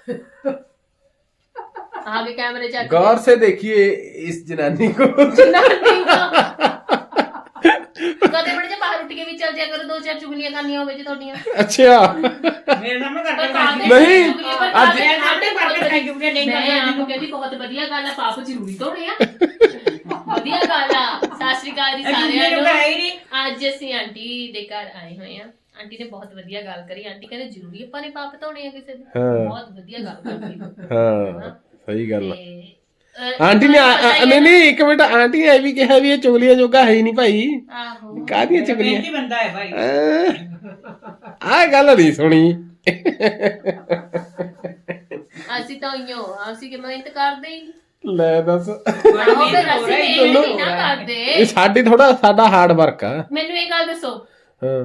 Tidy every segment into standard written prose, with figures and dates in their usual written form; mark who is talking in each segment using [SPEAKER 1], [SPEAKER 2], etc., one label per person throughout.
[SPEAKER 1] आगे कैमरे चेक
[SPEAKER 2] गौर से देखिए इस जनानी को।
[SPEAKER 1] कदे बड़े जे बाहर उठ के भी चल जाया करो, 2-4 चुगलियां करनियां होवे जे तोड़ियां।
[SPEAKER 2] अच्छा
[SPEAKER 3] मेरे सामने करके
[SPEAKER 2] नहीं,
[SPEAKER 1] आज
[SPEAKER 3] आटे करके खाई चुगलियां नहीं
[SPEAKER 1] मैं
[SPEAKER 3] करना
[SPEAKER 1] आपको कहती बहुत बढ़िया गल है, पाप जरूरी तोड़े आ ਵਧੀਆ ਗੱਲ ਆ। ਸਤਿ ਸ਼੍ਰੀ ਅਕਾਲ ਜੀ ਸਾਰਿਆਂ ਨੂੰ। ਅੱਜ ਅਸੀਂ ਆਂਟੀ ਦੇ ਘਰ ਆਏ ਹੋਏ ਆ। ਆਂਟੀ ਨੇ ਬਹੁਤ ਵਧੀਆ ਗੱਲ ਕਰੀ। ਆਂਟੀ ਕਹਿੰਦੇ ਜ਼ਰੂਰੀ ਆਪਾਂ ਨੇ ਪਾਪ ਧੋਣੇ ਆ ਕਿਸੇ ਦੇ। ਬਹੁਤ ਵਧੀਆ ਗੱਲ ਕਰਦੀ।
[SPEAKER 2] ਹਾਂ ਸਹੀ ਗੱਲ ਆ।
[SPEAKER 1] ਤੇ
[SPEAKER 2] ਆਂਟੀ ਨੇ ਨਹੀਂ ਇੱਕ ਮਿੰਟ, ਆਂਟੀ ਨੇ ਇਹ ਵੀ ਕਿਹਾ ਵੀ ਇਹ ਚੁਗਲੀਆਂ ਜੋਗਾ ਹੈ ਹੀ ਨਹੀਂ ਭਾਈ।
[SPEAKER 1] ਆਹੋ
[SPEAKER 2] ਕਾਹਦੀਆਂ ਚੁਗਲੀਆਂ?
[SPEAKER 3] ਮਿਹਨਤੀ ਬੰਦਾ ਹੈ ਭਾਈ।
[SPEAKER 2] ਆਹ ਗੱਲ ਨਹੀਂ ਸੁਣੀ।
[SPEAKER 1] ਅਸੀਂ ਤਾਂ ਅਸੀਂ ਕਿ ਮਿਹਨਤ ਕਰਦੇ ਹੀ
[SPEAKER 2] ਲੈ ਦੱਸ,
[SPEAKER 1] ਆਹੋ ਫਿਰ ਅਸੀਂ ਮਿਹਨਤ ਹੀ ਨਾ ਕਰਦੇ।
[SPEAKER 2] ਇਹ ਸਾਡਾ ਹਾਰਡ ਵਰਕ ਆ।
[SPEAKER 1] ਮੈਨੂੰ ਇਹ ਗੱਲ ਦੱਸੋ,
[SPEAKER 2] ਹਾਂ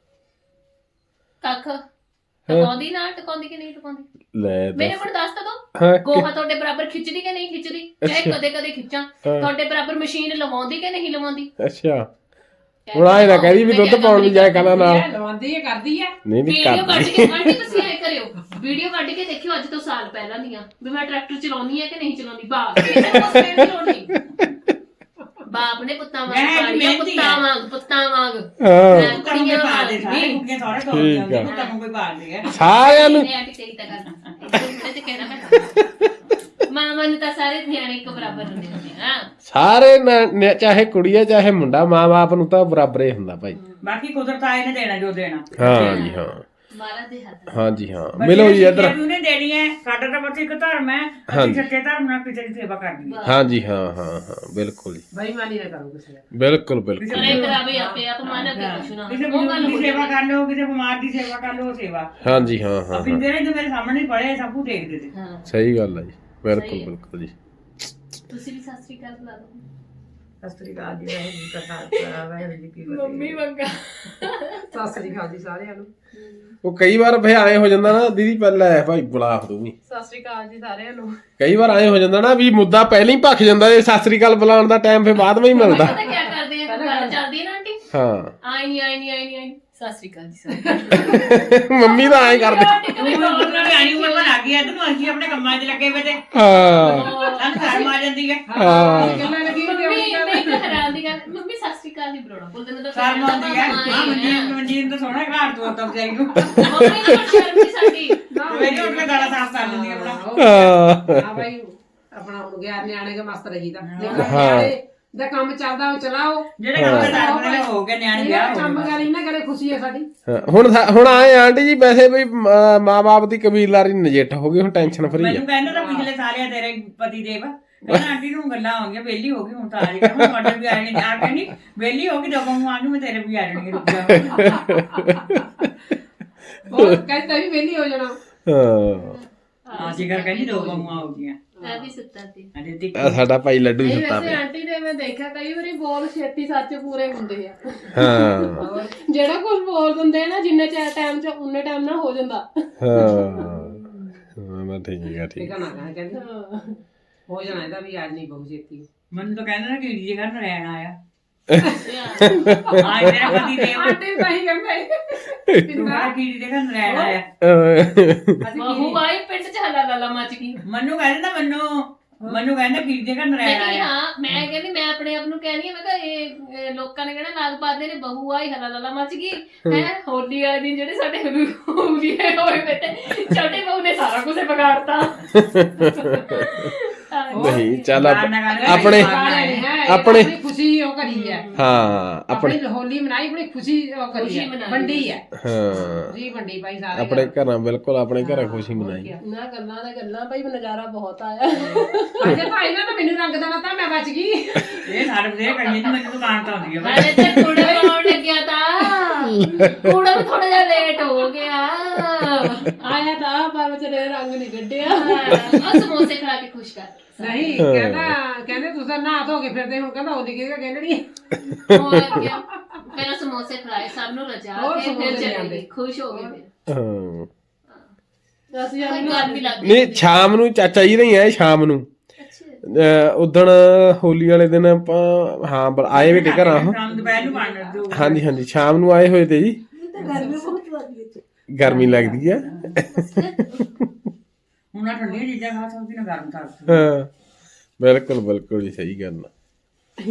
[SPEAKER 1] ਕੱਖ ਟਕਾਉਂਦੀ ਨਾ ਟਕਾਉਂਦੀ ਕਿ ਨਹੀਂ ਟਕਾਉਂਦੀ?
[SPEAKER 2] ਲੈ
[SPEAKER 1] ਮੇਰੇ
[SPEAKER 2] ਦੱਸ।
[SPEAKER 1] ਕੋਲ ਦੱਸ ਤਾਂ ਦੋ,
[SPEAKER 2] ਹਾਂ
[SPEAKER 1] ਗੋਹਾ ਤੁਹਾਡੇ ਬਰਾਬਰ ਖਿੱਚਦੀ ਕਿ ਨਹੀਂ ਖਿੱਚਦੀ? ਚਾਹੇ ਕਦੇ ਕਦੇ ਖਿੱਚਾਂ। ਤੁਹਾਡੇ ਬਰਾਬਰ ਮਸ਼ੀਨ ਲਵਾਉਂਦੀ ਕਿ ਨਹੀਂ ਲਵਾਉਂਦੀ?
[SPEAKER 2] ਅੱਛਾ ਹੁਣ ਆਏ ਨਾ ਕਹਦੀ ਵੀ ਦੁੱਧ ਪਾਉਣ ਵੀ ਜਾਏ ਕਲਾ ਨਾਲ।
[SPEAKER 3] ਲਵਾਉਂਦੀ ਹੈ ਕਰਦੀ ਹੈ।
[SPEAKER 2] ਨਹੀਂ
[SPEAKER 1] ਵੀਡੀਓ ਕੱਢ
[SPEAKER 2] ਕਰਦੀ।
[SPEAKER 1] ਕੇ ਆਂਟੀ ਤੁਸੀਂ ਐ ਕਰਿਓ, ਵੀਡੀਓ ਕੱਢ ਕੇ ਦੇਖਿਓ ਅੱਜ ਤੋਂ ਸਾਲ ਪਹਿਲਾਂ ਦੀਆਂ ਵੀ ਮੈਂ ਟਰੈਕਟਰ ਚਲਾਉਣੀ ਹੈ ਕਿ ਨਹੀਂ ਚਲਾਉਂਦੀ। ਬਾਪ ਕਿਸੇ ਨੂੰ ਪੁੱਛਣ ਦੀ ਲੋੜ ਨਹੀਂ। ਬਾਪ ਨੇ ਪੁੱਤਾਂ ਵਾਂਗ ਪਾਲੀਆਂ, ਪੁੱਤਾਂ ਵਾਂਗ
[SPEAKER 2] ਹਾਂ
[SPEAKER 1] ਕੁੜੀਆਂ
[SPEAKER 3] ਪਾ ਦੇ ਸਾਰੇ
[SPEAKER 1] ਵਾਂਗ।
[SPEAKER 3] ਕੁੜੀਆਂ ਸਾਰੇ ਤੋੜ
[SPEAKER 2] ਠੀਕ
[SPEAKER 3] ਜਾਂਦੇ
[SPEAKER 2] ਆ।
[SPEAKER 3] ਪੁੱਤਾਂ ਨੂੰ ਕੋਈ ਪਾਲਦੇ ਆ।
[SPEAKER 2] ਸਾਰਿਆਂ ਨੂੰ
[SPEAKER 1] ਨਹੀਂ ਆਂਟੀ ਤੇਰੀ ਤਾਂ ਗੱਲ ਤੇ ਕਹਿਣਾ ਮੈਂ ਮਾਮਾ ਨੂੰ ਤਾਂ ਸਾਰੇ ਨਿਆਣੇ ਇੱਕ ਬਰਾਬਰ ਹੁੰਦੇ ਹੁੰਦੇ ਆ।
[SPEAKER 2] ਸਾਰੇ ਚਾਹੇ ਕੁੜੀ ਹੈ ਚਾਹੇ ਮੁੰਡਾ, ਮਾਂ-ਬਾਪ ਨੂੰ ਤਾਂ ਬਰਾਬਰ ਹੀ ਹੁੰਦਾ ਭਾਈ।
[SPEAKER 3] ਬਾਕੀ ਕੁਦਰਤ ਆਏ ਨੇ ਦੇਣਾ ਜੋ ਦੇਣਾ।
[SPEAKER 2] ਹਾਂ ਜੀ ਹਾਂ,
[SPEAKER 1] ਮਹਾਰਾਜ ਦੇ ਹੱਥ।
[SPEAKER 2] ਹਾਂ ਜੀ ਹਾਂ। ਮਿਲੋ ਜੀ ਇੱਧਰ।
[SPEAKER 3] ਉਹਨੇ ਦੇਣੀ ਹੈ। ਸਾਡਾ ਤਾਂ ਬਸ ਇੱਕ ਧਰਮ ਹੈ, ਅਸੀਂ ਸੱਚੇ ਧਰਮ ਨਾਲ ਕਿਸੇ ਦੀ ਸੇਵਾ ਕਰਨੀ ਹੈ।
[SPEAKER 2] ਹਾਂ ਜੀ ਹਾਂ ਹਾਂ ਹਾਂ ਬਿਲਕੁਲ ਜੀ,
[SPEAKER 3] ਬੇਈਮਾਨੀ ਨਾ ਕਰੋ ਕਿਸੇ ਨਾਲ।
[SPEAKER 2] ਬਿਲਕੁਲ ਬਿਲਕੁਲ।
[SPEAKER 1] ਕਰੇ ਕਰਾਵੇ ਆਪੇ ਆਪ ਮਨ ਅੱਗੇ ਕੁਛ ਨਾ।
[SPEAKER 3] ਕਿਸੇ ਬਜ਼ੁਰਗ ਦੀ ਸੇਵਾ ਕਰ ਲਓ, ਕਿਸੇ ਬਿਮਾਰ ਦੀ ਸੇਵਾ ਕਰ ਲਓ, ਸੇਵਾ।
[SPEAKER 2] ਹਾਂ ਜੀ ਹਾਂ ਹਾਂ
[SPEAKER 3] ਬਿੰਦੇ ਨੇ ਜੋ ਮੇਰੇ ਸਾਹਮਣੇ ਪੜੇ ਸਭ ਕੁਝ ਦੇਖਦੇ ਸੀ।
[SPEAKER 1] ਹਾਂ
[SPEAKER 2] ਸਹੀ ਗੱਲ ਹੈ ਜੀ, ਬਿਲਕੁਲ ਬਿਲਕੁਲ ਜੀ।
[SPEAKER 1] ਤੁਸੀਂ ਵੀ ਸਤਿ ਸ੍ਰੀ ਅਕਾਲ ਬੁਲਾ ਦਿਓ।
[SPEAKER 3] ਸਤਿ ਸ੍ਰੀ ਅਕਾਲ ਜੀ, ਵਾਹਿਗੁਰੂ ਜੀ ਕਾ ਖਾਲਸਾ ਵਾਹਿਗੁਰੂ ਜੀ ਕੀ ਫਤਿਹ।
[SPEAKER 1] ਮੰਮੀ ਮੰਗਾ
[SPEAKER 3] ਸਤਿ ਸ੍ਰੀ ਅਕਾਲ ਜੀ ਸਾਰਿਆਂ ਨੂੰ।
[SPEAKER 2] ਉਹ ਕਈ ਵਾਰ ਫੇ ਆਏ ਹੋ ਜਾਂਦਾ ਨਾ ਦੀਦੀ, ਪਹਿਲਾਂ ਭਾਈ ਬੁਲਾ ਤੂੰ ਵੀ।
[SPEAKER 1] ਸਤਿ ਸ੍ਰੀ ਅਕਾਲ ਜੀ ਸਾਰਿਆਂ ਨੂੰ।
[SPEAKER 2] ਕਈ ਵਾਰ ਆਏ ਹੋ ਜਾਂਦਾ ਨਾ ਵੀ ਮੁੱਦਾ ਪਹਿਲਾਂ ਹੀ ਭੱਖ ਜਾਂਦਾ, ਇਹ ਸਤਿ ਸ੍ਰੀ ਅਕਾਲ ਬੁਲਾਉਣ ਦਾ ਟਾਈਮ ਫੇ ਬਾਅਦ ਵਿੱਚ ਹੀ ਮਿਲਦਾ।
[SPEAKER 1] ਪਤਾ ਕੀ ਕਰਦੇ ਆ, ਗੱਲ ਚੱਲਦੀ ਹੈ ਨਾ ਆਂਟੀ।
[SPEAKER 2] ਹਾਂ
[SPEAKER 1] ਆਈ ਨਹੀਂ ਸਤਿ ਸ੍ਰੀ ਅਕਾਲ ਜੀ ਸਾਰਿਆਂ
[SPEAKER 2] ਮੰਮੀ ਤਾਂ ਐਂ ਕਰਦੇ।
[SPEAKER 3] ਨਿਆਣੀ ਉਮਰ ਬਣ ਆ ਗਈ ਹੈ, ਤੈਨੂੰ ਅਸੀਂ ਆਪਣੇ ਕੰਮਾਂ 'ਚ ਲੱਗੇ ਵੇ ਤੇ
[SPEAKER 2] ਹਾਂ
[SPEAKER 3] ਸਾਨੂੰ ਸ਼ਰਮ ਆ ਜਾਂਦੀ ਹੈ।
[SPEAKER 2] ਹਾਂ
[SPEAKER 3] ਗੱਲਾਂ ਲੱਗੀ
[SPEAKER 1] ਨੂੰ। ਮੰਮੀ ਮੈਂ ਹੈਰਾਨ ਦੀ ਗੱਲ, ਮੰਮੀ ਸਤਿ ਸ੍ਰੀ ਅਕਾਲ ਦੀ ਬਰੋੜਾ ਬੋਲਦੇ ਨੇ ਤਾਂ
[SPEAKER 3] ਸ਼ਰਮ ਆਉਂਦੀ ਹੈ। ਹਾਂ ਮਨਜੀਤ ਤਾਂ ਸੋਹਣਾ ਘਰ ਤੋਂ ਤਾਂ ਵਿਚਾਰੀ ਨੂੰ
[SPEAKER 1] ਮੰਮੀ ਨੂੰ ਸ਼ਰਮ ਨਹੀਂ ਸਾਡੀ।
[SPEAKER 3] ਮੇਰੀ ਉੱਠ ਕੇ ਗਾਲਾਂ ਸਾਫ਼ ਕਰ ਦਿੰਦੀ ਆਪਣਾ।
[SPEAKER 4] ਹਾਂ ਭਾਈ ਆਪਣਾ ਹੁਣ ਗਿਆ ਨਿਆਣੇ ਕੇ ਮਸਤ ਰਹੀਦਾ। ਨਿਆਣੇ ਦਾ ਕੰਮ ਚੱਲਦਾ ਉਹ ਚਲਾਓ।
[SPEAKER 3] ਜਿਹੜੇ ਕੰਮ ਦਾ ਟਾਈਮ ਨਾਲ ਹੋ ਗਿਆ ਨਿਆਣੇ ਵਿਆਹ ਹੋ
[SPEAKER 4] ਕੰਮ
[SPEAKER 3] ਗਏ।
[SPEAKER 4] ਕਰੀ ਨਾ ਕਰੇ ਖੁਸ਼ੀ ਹੈ ਸਾਡੀ।
[SPEAKER 2] ਹੁਣ ਆਏ ਆਂਟੀ ਜੀ, ਵੈਸੇ ਵੀ ਮਾਂ-ਬਾਪ ਦੀ ਕਬੀਲਦਾਰੀ ਨਜਿੱਠ ਹੋ ਗਈ, ਹੁਣ ਟੈਨਸ਼ਨ ਫਰੀ
[SPEAKER 3] ਮੈਨੂੰ
[SPEAKER 2] ਆ।
[SPEAKER 3] ਕਹਿੰਦਾ ਤਾਂ ਪਿਛਲੇ ਸਾਲ ਆ ਤੇਰੇ ਪਤੀ ਦੇਵ ਕਹਿੰਦਾ ਆਂਟੀ ਨੂੰ ਗੱਲਾਂ ਆ ਗਈਆਂ, ਵਿਹਲੀ ਹੋ ਗਈ ਹੁਣ ਤਾਂ ਆ ਰਹੀ ਹੁਣ ਤੁਹਾਡੇ ਵੀ ਆ ਜਾਣੀ ਆ ਕੇ ਨਹੀਂ ਵਿਹਲੀ ਹੋ ਗਈ ਜਦੋਂ ਨੂੰ ਆ ਗਈ ਮੈਂ ਤੇਰੇ ਵੀ ਆ ਜਾਣੀ ਰੁਕ ਜਾ।
[SPEAKER 4] ਉਹ ਕਹਿੰਦਾ ਵੀ ਵਿਹਲੀ ਹੋ ਜਾਣਾ।
[SPEAKER 2] ਹਾਂ
[SPEAKER 3] ਜਿਗਰ ਕਹਿੰਦੀ ਦੋ ਬੰਮਾਂ ਹੋ ਗਈਆਂ।
[SPEAKER 1] ਮੈਂ ਵੀ ਸੁੱਤਾ ਸੀ।
[SPEAKER 3] ਅਜੇ ਤੇ
[SPEAKER 2] ਆ ਸਾਡਾ ਭਾਈ ਲੱਡੂ ਹੀ ਸੁੱਤਾ ਪਿਆ।
[SPEAKER 5] ਆਂਟੀ ਦੇ ਮੈਂ ਦੇਖਿਆ ਕਈ ਵਾਰੀ ਬੋਲ ਛੇਤੀ ਸੱਚ ਪੂਰੇ ਹੁੰਦੇ ਆ।
[SPEAKER 2] ਹਾਂ
[SPEAKER 5] ਜਿਹੜਾ ਕੁਝ ਬੋਲ ਦਿੰਦੇ ਆ ਨਾ ਜਿੰਨੇ ਟਾਈਮ ਚ ਉਨੇ ਟਾਈਮ ਨਾਲ ਹੋ ਜਾਂਦਾ।
[SPEAKER 2] ਹਾਂ ਮੈਂ ਠੀਕ ਆ ਠੀਕ।
[SPEAKER 4] ਠੀਕ ਆ ਨਾ ਕਹਿੰਦੀ ਹੋ ਜਾਣਾ ਇਹਦਾ ਵੀ ਅੱਜ ਨਹੀਂ ਬਹੁਤ ਛੇਤੀ।
[SPEAKER 3] ਮੈਨੂੰ ਤਾਂ ਕਹਿੰਦਾ ਨਾ ਕੀੜੀ ਜਗ੍ਹਾ ਨੂੰ ਰਹਿਣ ਆਇਆ। ਆ ਤੇਰਾ ਪਤੀ ਦੇਵ
[SPEAKER 4] ਆਂਟੀ ਤਾਂ ਹੀ ਕਹਿੰਦੇ
[SPEAKER 3] ਤੂੰ ਕਹਿੰਦਾ ਕੀੜੀ ਜਗ੍ਹਾ ਨੂੰ ਰਹਿਣ ਆਇਆ।
[SPEAKER 1] ਬਹੂ ਆਈ ਪਿੰਡ ਚ ਹਲਾ ਲਾਲਾ ਮੱਚ ਗਈ।
[SPEAKER 3] ਮੈਨੂੰ ਕਹਿੰਦਾ ਮੈਨੂੰ ਕਹਿੰਦਾ ਕੀੜੀ ਜਗ੍ਹਾ ਨੂੰ ਰਹਿਣ ਆਇਆ।
[SPEAKER 1] ਹਾਂ ਮੈਂ ਕਹਿੰਦੀ ਮੈਂ ਆਪਣੇ ਆਪ ਨੂੰ ਕਹਿੰਦੀ ਮੈਂ ਕਿਹਾ ਇਹ ਲੋਕਾਂ ਨੇ ਕਹਿਣਾ ਲਾਗ ਪਾਦੇ ਨੇ ਬਹੂ ਆਈ ਹਲਾ ਲਾਲਾ ਮੱਚ ਗਈ ਹੈ। ਹੋਲੀ ਵਾਲੇ ਦਿਨ ਜਿਹੜੇ ਸਾਡੇ ਹੋਲੀ ਹੋਏ ਬੇਟੇ ਛੋਟੇ ਬਹੂ ਨੇ ਸਾਰਾ ਕੁਝ ਵਿਗਾੜਤਾ।
[SPEAKER 2] ਨਹੀਂ ਚੱਲ
[SPEAKER 4] ਆਪਣੇ
[SPEAKER 2] ਆਪਣੇ
[SPEAKER 4] ਖੁਸ਼ੀ ਉਹ ਕਰੀ ਹੈ।
[SPEAKER 2] ਹਾਂ
[SPEAKER 4] ਆਪਣੀ ਹੋਲੀ ਮਨਾਈ, ਆਪਣੀ ਖੁਸ਼ੀ ਉਹ ਕਰੀ ਹੈ, ਵੰਡੀ ਹੈ।
[SPEAKER 2] ਹਾਂ
[SPEAKER 4] ਜੀ ਵੰਡੀ ਭਾਈ ਸਾਰੇ
[SPEAKER 2] ਆਪਣੇ ਘਰਾਂ, ਬਿਲਕੁਲ ਆਪਣੇ ਘਰਾਂ ਖੁਸ਼ੀ ਮਨਾਈ।
[SPEAKER 5] ਨਾ ਗੱਲਾਂ ਦਾ ਗੱਲਾਂ ਭਾਈ ਨਜ਼ਾਰਾ ਬਹੁਤ ਆਇਆ।
[SPEAKER 4] ਅਜੇ ਭਾਈ ਨਾ ਤਾਂ ਮੈਨੂੰ ਰੰਗ ਦੇਣਾ ਤਾਂ ਮੈਂ ਬਚ ਗਈ।
[SPEAKER 3] ਇਹ ਸਾਰੇ ਬਦੇ ਕਹੀਏ ਜੀ ਮੈਨੂੰ ਦੁਕਾਨ ਤੋਂ ਆਉਂਦੀ ਹੈ।
[SPEAKER 1] ਅਰੇ ਤੇ ਕੂੜਾ ਬਣਾਉਣ ਲੱਗਿਆ ਤਾਂ ਕੂੜਾ ਵੀ ਥੋੜਾ ਜਿਹਾ ਲੇਟ ਹੋ ਗਿਆ।
[SPEAKER 5] ਆਇਆ ਤਾਂ ਪਰ ਵਿਚਾਰੇ ਰੰਗ ਨਹੀਂ ਕੱਢਿਆ।
[SPEAKER 1] ਉਹ ਸਮੋਸੇ ਖਾ ਕੇ ਖੁਸ਼ ਕਰ
[SPEAKER 4] ਨਹੀਂ ਕਹਿੰਦੇ ਤੁਸੀਂ ਤਾਂ ਨਹਾ ਧੋ ਕੇ ਫਿਰਦੇ ਹੁਣ ਕਹਿੰਦਾ ਹੋਲੀ ਕਿਹੜਾ ਕਹਿੰਦੀ।
[SPEAKER 1] ਹੋਰ ਕੀ ਪਹਿਲਾਂ ਸਮੋਸੇ ਖਲਾਏ ਸਭ ਨੂੰ ਰਜਾ ਕੇ ਫਿਰ ਚਲੇ ਗਏ ਖੁਸ਼ ਹੋ ਗਏ ਫਿਰ।
[SPEAKER 2] ਹਾਂ
[SPEAKER 5] ਅਸੀਂ
[SPEAKER 1] ਗਰਮੀ ਲੱਗਦੀ
[SPEAKER 2] ਨਹੀਂ ਸ਼ਾਮ ਨੂੰ ਚਾਚਾ ਜੀ ਨਹੀਂ ਆਏ, ਸ਼ਾਮ ਨੂੰ ਉਦਣ ਹੋਲੀ ਵਾਲੇ ਦਿਨ ਆਪਾਂ ਹਾਂ ਆਏ ਵੇ ਤੇ ਘਰਾਂ।
[SPEAKER 3] ਸ਼ਾਮ ਦੁਪਹਿਰ ਨੂੰ ਬਣ ਦੋ।
[SPEAKER 2] ਹਾਂਜੀ ਹਾਂਜੀ ਸ਼ਾਮ ਨੂੰ ਆਏ ਹੋਏ ਤੇ ਜੀ। ਗਰਮੀ ਲੱਗਦੀ ਆ।
[SPEAKER 3] ਨਾ ਠੰਡੀਆਂ ਚੀਜ਼ਾਂ ਖਾ ਸਕਦੀ ਨਾ ਗਰਮ ਖਾ ਸਕਦੀ।
[SPEAKER 2] ਹਾਂ ਬਿਲਕੁਲ ਬਿਲਕੁਲ ਜੀ ਸਹੀ ਗੱਲ ਆ।